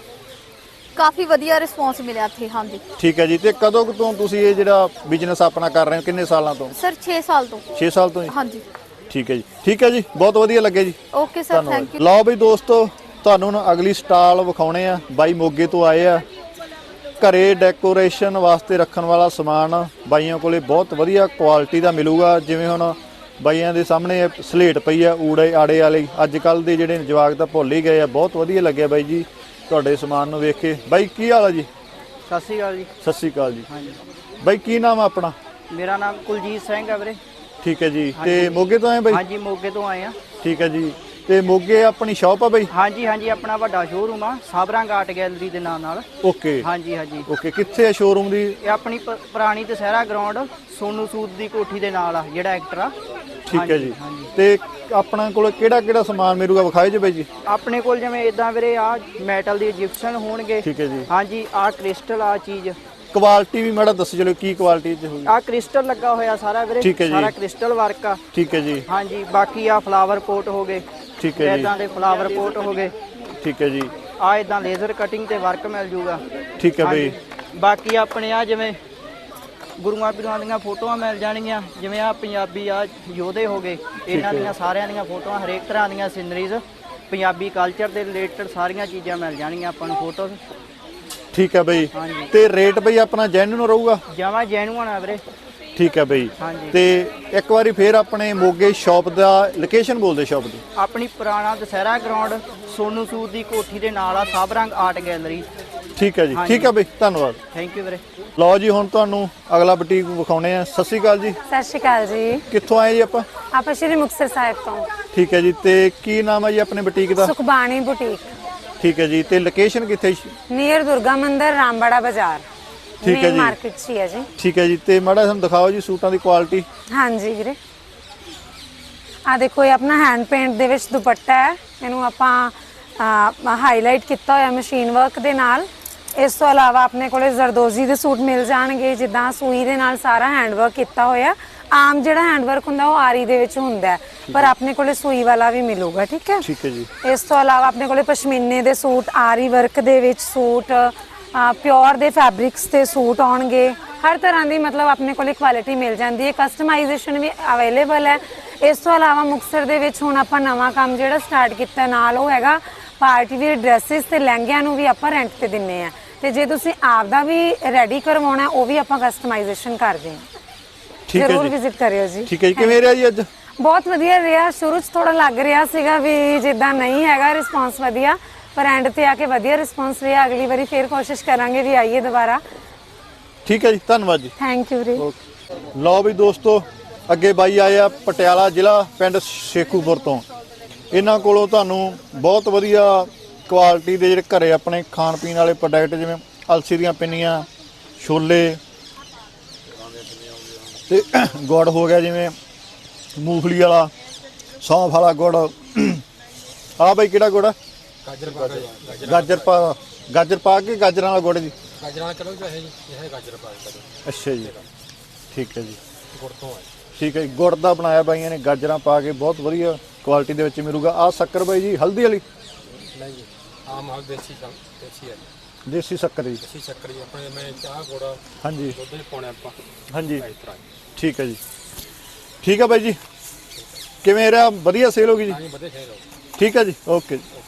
S1: ਕਾਫੀ ਵਧੀਆ ਰਿਸਪੌਂਸ ਮਿਲਿਆ ਇੱਥੇ। ਹਾਂਜੀ
S2: ਠੀਕ ਹੈ ਜੀ। ਤੇ ਕਦੋਂ ਕੁ ਤੋਂ ਤੁਸੀਂ ਇਹ ਜਿਹੜਾ ਬਿਜ਼ਨਸ ਆਪਣਾ ਕਰ ਰਹੇ ਹੋ, ਕਿੰਨੇ ਸਾਲਾਂ ਤੋਂ?
S1: ਸਰ, ਛੇ ਸਾਲ ਤੋਂ।
S2: ਛੇ ਸਾਲ ਤੋਂ ਜੀ।
S1: ਹਾਂਜੀ।
S2: ਠੀਕ ਹੈ ਜੀ। ਠੀਕ ਹੈ ਜੀ, ਬਹੁਤ ਵਧੀਆ ਲੱਗਿਆ ਜੀ।
S1: Okay sir, thank you.
S2: ਲਓ ਬਈ ਦੋਸਤੋ, ਤੁਹਾਨੂੰ ਹੁਣ ਅਗਲੀ ਸਟਾਲ ਵਿਖਾਉਣੇ ਆ। ਬਾਈ ਮੋਗੇ ਤੋਂ ਆਏ ਆ, ਘਰੇ ਡੈਕੋਰੇਸ਼ਨ ਵਾਸਤੇ ਰੱਖਣ ਵਾਲਾ ਸਮਾਨ ਬਾਈਆਂ ਕੋਲੇ ਬਹੁਤ ਵਧੀਆ ਕੁਆਲਿਟੀ ਦਾ ਮਿਲੂਗਾ। ਜਿਵੇਂ ਹੁਣ ਬਾਈਆਂ ਦੇ ਸਾਹਮਣੇ ਸਲੇਟ ਪਈ ਆ ਊੜੇ ਆੜੇ ਵਾਲੀ, ਅੱਜ ਕੱਲ ਦੇ ਜਿਹੜੇ ਜਵਾਕ ਤਾਂ ਭੁੱਲ ਹੀ ਗਏ ਆ। ਬਹੁਤ ਵਧੀਆ ਲੱਗਿਆ ਬਾਈ ਜੀ ਤੁਹਾਡੇ ਸਮਾਨ ਨੂੰ ਵੇਖ ਕੇ। ਬਾਈ ਕੀ ਹਾਲ ਆ ਜੀ?
S9: ਸਤਿ ਸ਼੍ਰੀ ਅਕਾਲ ਜੀ।
S2: ਸਤਿ ਸ਼੍ਰੀ ਅਕਾਲ ਜੀ।
S9: ਹਾਂਜੀ,
S2: ਬਾਈ ਕੀ ਨਾਮ ਆ ਆਪਣਾ?
S9: ਮੇਰਾ ਨਾਮ ਕੁਲਜੀਤ ਸਿੰਘ ਹੈ ਵੀਰੇ।
S2: ਠੀਕ ਹੈ ਜੀ। ਤੇ ਮੋਗੇ ਤੋਂ ਆਏ ਬਾਈ?
S9: ਹਾਂਜੀ, ਮੋਗੇ ਤੋਂ ਆਏ ਆ।
S2: ਠੀਕ ਹੈ ਜੀ। ਤੇ ਮੋਗੇ ਆਪਣੀ ਸ਼ਾਪ ਆ ਬਾਈ?
S9: ਹਾਂਜੀ ਹਾਂਜੀ, ਆਪਣਾ ਵੱਡਾ ਸ਼ੋਰੂਮ ਆ, ਸਾਬਰੰਗ ਆਰਟ ਗੈਲਰੀ ਦੇ ਨਾਮ ਨਾਲ।
S2: ਓਕੇ।
S9: ਹਾਂਜੀ ਹਾਂਜੀ।
S2: ਓਕੇ, ਕਿੱਥੇ ਆ ਸ਼ੋਰੂਮ ਦੀ?
S9: ਇਹ ਆਪਣੀ ਪ- ਪੁਰਾਣੀ ਦਸ਼ਹਿਰਾ ਗਰਾਊਂਡ ਸੋਨੂ ਸੂਦ ਦੀ ਕੋਠੀ ਦੇ ਨਾਲ ਆ, ਜਿਹੜਾ ਐਕਟਰ ਆ।
S2: ਠੀਕ ਹੈ ਜੀ।
S9: ਹਾਂਜੀ।
S2: ਤੇ ਆਪਣਾ ਕੋਲ ਕਿਹੜਾ ਕਿਹੜਾ ਸਮਾਨ ਮਿਲੂਗਾ, ਵਿਖਾਏ ਜੀ ਬਾਈ ਜੀ।
S9: ਆਪਣੇ ਕੋਲ ਜਿਵੇਂ ਇਦਾਂ ਵੀਰੇ ਆ ਮੈਟਲ ਦੀ ਇਜਿਪਸ਼ਨ ਹੋਣਗੇ।
S2: ਠੀਕ ਹੈ ਜੀ।
S9: ਹਾਂਜੀ, ਆ ਕ੍ਰਿਸਟਲ ਆ ਚੀਜ਼।
S2: ਕੁਆਲਿਟੀ ਵੀ ਮਾੜਾ ਦੱਸ ਚਲੋ, ਕੀ ਕੁਆਲਿਟੀ ਚ ਹੋਊਗੀ?
S9: ਆ ਕ੍ਰਿਸਟਲ ਲੱਗਾ ਹੋਇਆ ਸਾਰਾ ਵੀਰੇ।
S2: ਠੀਕ ਹੈ ਜੀ।
S9: ਸਾਰਾ ਕ੍ਰਿਸਟਲ ਵਰਕ ਆ।
S2: ਠੀਕ ਹੈ ਜੀ।
S9: ਹਾਂਜੀ, ਬਾਕੀ ਆ ਫਲਾਵਰ ਪੋਟ ਹੋ ਗਏ।
S2: ਠੀਕ ਹੈ ਜੀ।
S9: ਇਦਾਂ ਦੇ ਫਲਾਵਰ ਪੋਟ ਹੋ ਗਏ।
S2: ਠੀਕ ਹੈ ਜੀ।
S9: ਆ ਇਦਾਂ ਲੇਜ਼ਰ ਕਟਿੰਗ ਤੇ ਵਰਕ ਮਿਲ ਜੂਗਾ।
S2: ਠੀਕ ਹੈ ਬਈ।
S9: ਹਾਂਜੀ। ਬਾਕੀ ਆਪਣੇ ਆ ਜਿਵੇਂ ਗੁਰੂਆਂ ਪੀਰਾਂ ਦੀਆਂ ਫੋਟੋਆਂ ਮਿਲ ਜਾਣਗੀਆਂ, ਜਿਵੇਂ ਆ ਪੰਜਾਬੀ ਆ ਯੋਧੇ ਹੋ ਗਏ, ਇਹਨਾਂ ਦੀਆਂ ਸਾਰਿਆਂ ਦੀਆਂ ਫੋਟੋਆਂ, ਹਰੇਕ ਤਰ੍ਹਾਂ ਦੀਆਂ ਸੀਨਰੀਜ਼, ਪੰਜਾਬੀ ਕਲਚਰ ਦੇ ਰਿਲੇਟਡ ਸਾਰੀਆਂ ਚੀਜ਼ਾਂ ਮਿਲ ਜਾਣਗੀਆਂ ਆਪਾਂ ਨੂੰ ਫੋਟੋਜ਼।
S2: ਠੀਕ ਹੈ ਬਈ।
S9: ਹਾਂਜੀ।
S2: ਤੇ ਰੇਟ ਬਈ ਆਪਣਾ ਜੈਨੂਇਨ ਰਹੂਗਾ?
S9: ਜਮਾਂ ਜੈਨੂਅਨ ਆ ਵੀਰੇ।
S2: ਠੀਕ ਹੈ ਬਈ।
S9: ਹਾਂਜੀ।
S2: ਤੇ ਇੱਕ ਵਾਰੀ ਫੇਰ ਆਪਣੇ ਮੋਗੇ ਸ਼ਾਪ ਦਾ ਲੋਕੇਸ਼ਨ ਬੋਲ ਦੇ ਸ਼ਾਪ ਦੀ।
S9: ਆਪਣੀ ਪੁਰਾਣਾ ਦਸ਼ਹਿਰਾ ਗਰਾਊਂਡ ਸੋਨੂ ਸੂਦ ਦੀ ਕੋਠੀ ਦੇ ਨਾਲ ਆ, ਸਾਬਰੰਗ ਆਰਟ ਗੈਲਰੀ।
S2: ਠੀਕ ਹੈ ਜੀ।
S9: ਹਾਂਜੀ।
S2: ਠੀਕ ਹੈ ਬਈ, ਧੰਨਵਾਦ।
S9: ਥੈਂਕ ਯੂ ਵੀਰੇ।
S2: ਲਓ ਜੀ, ਹੁਣ ਤੁਹਾਨੂੰ ਅਗਲਾ ਬੁਟੀਕ ਵਿਖਾਉਣੇ ਆ। ਸਤਿ ਸ਼੍ਰੀ ਅਕਾਲ ਜੀ।
S10: ਸਤਿ ਸ਼੍ਰੀ ਅਕਾਲ ਜੀ।
S2: ਕਿੱਥੋਂ ਆਏ ਜੀ ਆਪਾਂ?
S10: ਆਪਾਂ ਸ਼੍ਰੀ ਮੁਕਤਸਰ ਸਾਹਿਬ ਤੋਂ।
S2: ਠੀਕ ਹੈ ਜੀ। ਤੇ ਕੀ ਨਾਮ ਹੈ ਜੀ ਆਪਣੇ ਬੁਟੀਕ ਦਾ?
S10: ਸੁਖਬਾਣੀ ਬੁਟੀਕ,
S2: ਠੀਕ ਹੈ ਜੀ। ਤੇ ਲੋਕੇਸ਼ਨ ਕਿੱਥੇ?
S10: ਨੀਅਰ ਦੁਰਗਾ ਮੰਦਿਰ, ਰਾਮਬਾੜਾ ਬਾਜ਼ਾਰ।
S2: ਠੀਕ ਹੈ ਜੀ।
S10: ਮਾਰਕੀਟ 'ਚ ਹੀ ਹੈ ਜੀ।
S2: ਠੀਕ ਹੈ ਜੀ। ਤੇ ਮਾੜਾ ਸਾਨੂੰ ਦਿਖਾਓ ਜੀ ਸੂਟਾਂ ਦੀ ਕੁਆਲਿਟੀ।
S10: ਹਾਂਜੀ ਵੀਰੇ, ਆ ਦੇਖੋ, ਇਹ ਆਪਣਾ ਹੈਂਡ ਪੇਂਟ ਦੇ ਵਿੱਚ ਦੁਪੱਟਾ ਹੈ। ਇਹਨੂੰ ਆਪਾਂ ਹਾਈਲਾਈਟ ਕੀਤਾ ਹੋਇਆ ਮਸ਼ੀਨ ਵਰਕ ਦੇ ਨਾਲ। ਇਸ ਤੋਂ ਇਲਾਵਾ ਆਪਣੇ ਕੋਲੇ ਜ਼ਰਦੋਜ਼ੀ ਦੇ ਸੂਟ ਮਿਲ ਜਾਣਗੇ, ਜਿੱਦਾਂ ਸੂਈ ਦੇ ਨਾਲ ਸਾਰਾ ਹੈਂਡ ਵਰਕ ਕੀਤਾ ਹੋਇਆ। ਆਮ ਜਿਹੜਾ ਹੈਂਡ ਵਰਕ ਹੁੰਦਾ ਉਹ ਆਰੀ ਦੇ ਵਿੱਚ ਹੁੰਦਾ ਹੈ, ਪਰ ਆਪਣੇ ਕੋਲੇ ਸੂਈ ਵਾਲਾ ਵੀ ਮਿਲੂਗਾ। ਠੀਕ ਹੈ।
S2: ਠੀਕ ਹੈ ਜੀ।
S10: ਇਸ ਤੋਂ ਇਲਾਵਾ ਆਪਣੇ ਕੋਲੇ ਪਸ਼ਮੀਨੇ ਦੇ ਸੂਟ, ਆਰੀ ਵਰਕ ਦੇ ਵਿੱਚ ਸੂਟ, ਪਿਓਰ ਦੇ ਫੈਬਰਿਕਸ ਦੇ ਸੂਟ ਆਉਣਗੇ। ਹਰ ਤਰ੍ਹਾਂ ਦੀ ਮਤਲਬ ਆਪਣੇ ਕੋਲੇ ਕੁਆਲਿਟੀ ਮਿਲ ਜਾਂਦੀ ਹੈ। ਕਸਟਮਾਈਜ਼ੇਸ਼ਨ ਵੀ ਅਵੇਲੇਬਲ ਹੈ। ਇਸ ਤੋਂ ਇਲਾਵਾ ਮੁਕਤਸਰ ਦੇ ਵਿੱਚ ਹੁਣ ਆਪਾਂ ਨਵਾਂ ਕੰਮ ਜਿਹੜਾ ਸਟਾਰਟ ਕੀਤਾ ਨਾਲ, ਉਹ ਹੈਗਾ ਪਾਰਟੀ ਵੇਅਰ ਡਰੈਸਿਸ ਤੇ ਲਹਿੰਗਿਆਂ ਨੂੰ ਵੀ ਆਪਾਂ ਰੈਂਟ ਤੇ ਦਿੰਨੇ ਆ। ਤੇ ਜੇ ਤੁਸੀਂ ਆਪ ਦਾ ਵੀ ਰੈਡੀ ਕਰਵਾਉਣਾ, ਉਹ ਵੀ ਆਪਾਂ ਕਸਟਮਾਈਜ਼ੇਸ਼ਨ ਕਰਦੇ ਹਾਂ।
S2: ਠੀਕ ਹੈ
S10: ਜ਼ਰੂਰ
S2: ਜੀ।
S10: ਵਿਜ਼ਿਟ ਕਰਿਓ ਜੀ।
S2: ਠੀਕ ਹੈ ਜੀ। ਕਿਵੇਂ ਰਿਹਾ ਜੀ ਅੱਜ?
S10: ਬਹੁਤ ਵਧੀਆ ਰਿਹਾ। ਸ਼ੁਰੂ 'ਚ ਥੋੜਾ ਲੱਗ ਰਿਹਾ ਸੀਗਾ ਵੀ ਜਿੱਦਾਂ ਨਹੀਂ ਹੈਗਾ ਰਿਸਪੌਂਸ ਵਧੀਆ, ਪਰ ਐਂਡ ਤੇ ਆ ਕੇ ਵਧੀਆ ਰਿਸਪੌਂਸ ਰਿਹਾ। ਅਗਲੀ ਵਾਰੀ ਫੇਰ ਕੋਸ਼ਿਸ਼ ਕਰਾਂਗੇ ਵੀ ਆਈਏ ਦੁਬਾਰਾ।
S2: ਠੀਕ ਹੈ ਜੀ, ਧੰਨਵਾਦ ਜੀ।
S10: ਥੈਂਕ ਯੂ ਵੀਰੇ।
S2: ਲਓ ਵੀ ਦੋਸਤੋ, ਅੱਗੇ ਬਾਈ ਆਏ ਆ ਪਟਿਆਲਾ ਜ਼ਿਲ੍ਹਾ, ਪਿੰਡ ਸ਼ੇਖੂਪੁਰ ਤੋਂ। ਇਹਨਾਂ ਕੋਲੋਂ ਤੁਹਾਨੂੰ ਬਹੁਤ ਵਧੀਆ ਕੁਆਲਿਟੀ ਦੇ ਜਿਹੜੇ ਘਰੇ ਆਪਣੇ ਖਾਣ ਪੀਣ ਵਾਲੇ ਪ੍ਰੋਡਕਟ, ਜਿਵੇਂ ਅਲਸੀ ਦੀਆਂ ਪਿੰਨੀਆਂ, ਛੋਲੇ ਤੇ ਗੁੜ ਹੋ ਗਿਆ, ਜਿਵੇਂ ਮੂੰਗਫਲੀ ਵਾਲਾ, ਸੌਂਫ ਵਾਲਾ ਗੁੜ, ਆ ਬਾਈ ਕਿਹੜਾ ਗੁੜ ਆ?
S11: ਗਾਜਰ ਪਾ ਕੇ
S2: ਗਾਜਰ ਪਾ ਗਾਜਰ ਪਾ ਕੇ ਗਾਜਰਾਂ ਵਾਲਾ ਗੁੜ ਜੀ।
S11: ਗਾਜਰਾਂ ਵਾਲਾ ਕਰੋ ਚਾਹੇ ਜੀ ਇਹ ਗਾਜਰ ਪਾ ਕੇ ਕਰੋ।
S2: ਅੱਛਾ ਜੀ, ਠੀਕ ਹੈ ਜੀ,
S11: ਗੁੜ ਤੋਂ ਹੈ।
S2: ਠੀਕ ਹੈ ਜੀ। ਗੁੜ ਦਾ ਬਣਾਇਆ ਬਾਈਆਂ ਨੇ, ਗਾਜਰਾਂ ਪਾ ਕੇ, ਬਹੁਤ ਵਧੀਆ ਕੁਆਲਿਟੀ ਦੇ ਵਿੱਚ ਮਿਲੂਗਾ। ਆ ਸ਼ੱਕਰ ਬਾਈ ਜੀ ਹਲਦੀ ਵਾਲੀ?
S11: ਨਹੀਂ ਜੀ, ਆਮ ਹਾਲ ਦੇਸੀ ਸ਼ੱਕ- ਦੇਸੀ ਹੈ
S2: ਦੇਸੀ ਸ਼ੱਕਰ ਜੀ।
S11: ਦੇਸੀ ਸ਼ੱਕਰ ਜੀ ਆਪਣੇ ਮੈਂ ਚਾਹ ਗੁੜ
S2: ਹਾਂਜੀ
S11: ਦੁੱਧ ਚ ਪਾਉਣੇ ਆਪਾਂ।
S2: ਹਾਂਜੀ,
S11: ਇਸ ਤਰ੍ਹਾਂ
S2: ਠੀਕ ਹੈ ਜੀ। ਠੀਕ ਹੈ ਬਾਈ ਜੀ, ਕਿਵੇਂ ਰਿਹਾ? ਵਧੀਆ ਸੇਲ ਹੋ ਗਈ ਜੀ?
S11: ਹਾਂਜੀ, ਵਧੀਆ ਖੇਡ ਹੋ।
S2: ਠੀਕ ਹੈ ਜੀ, ਓਕੇ ਜੀ।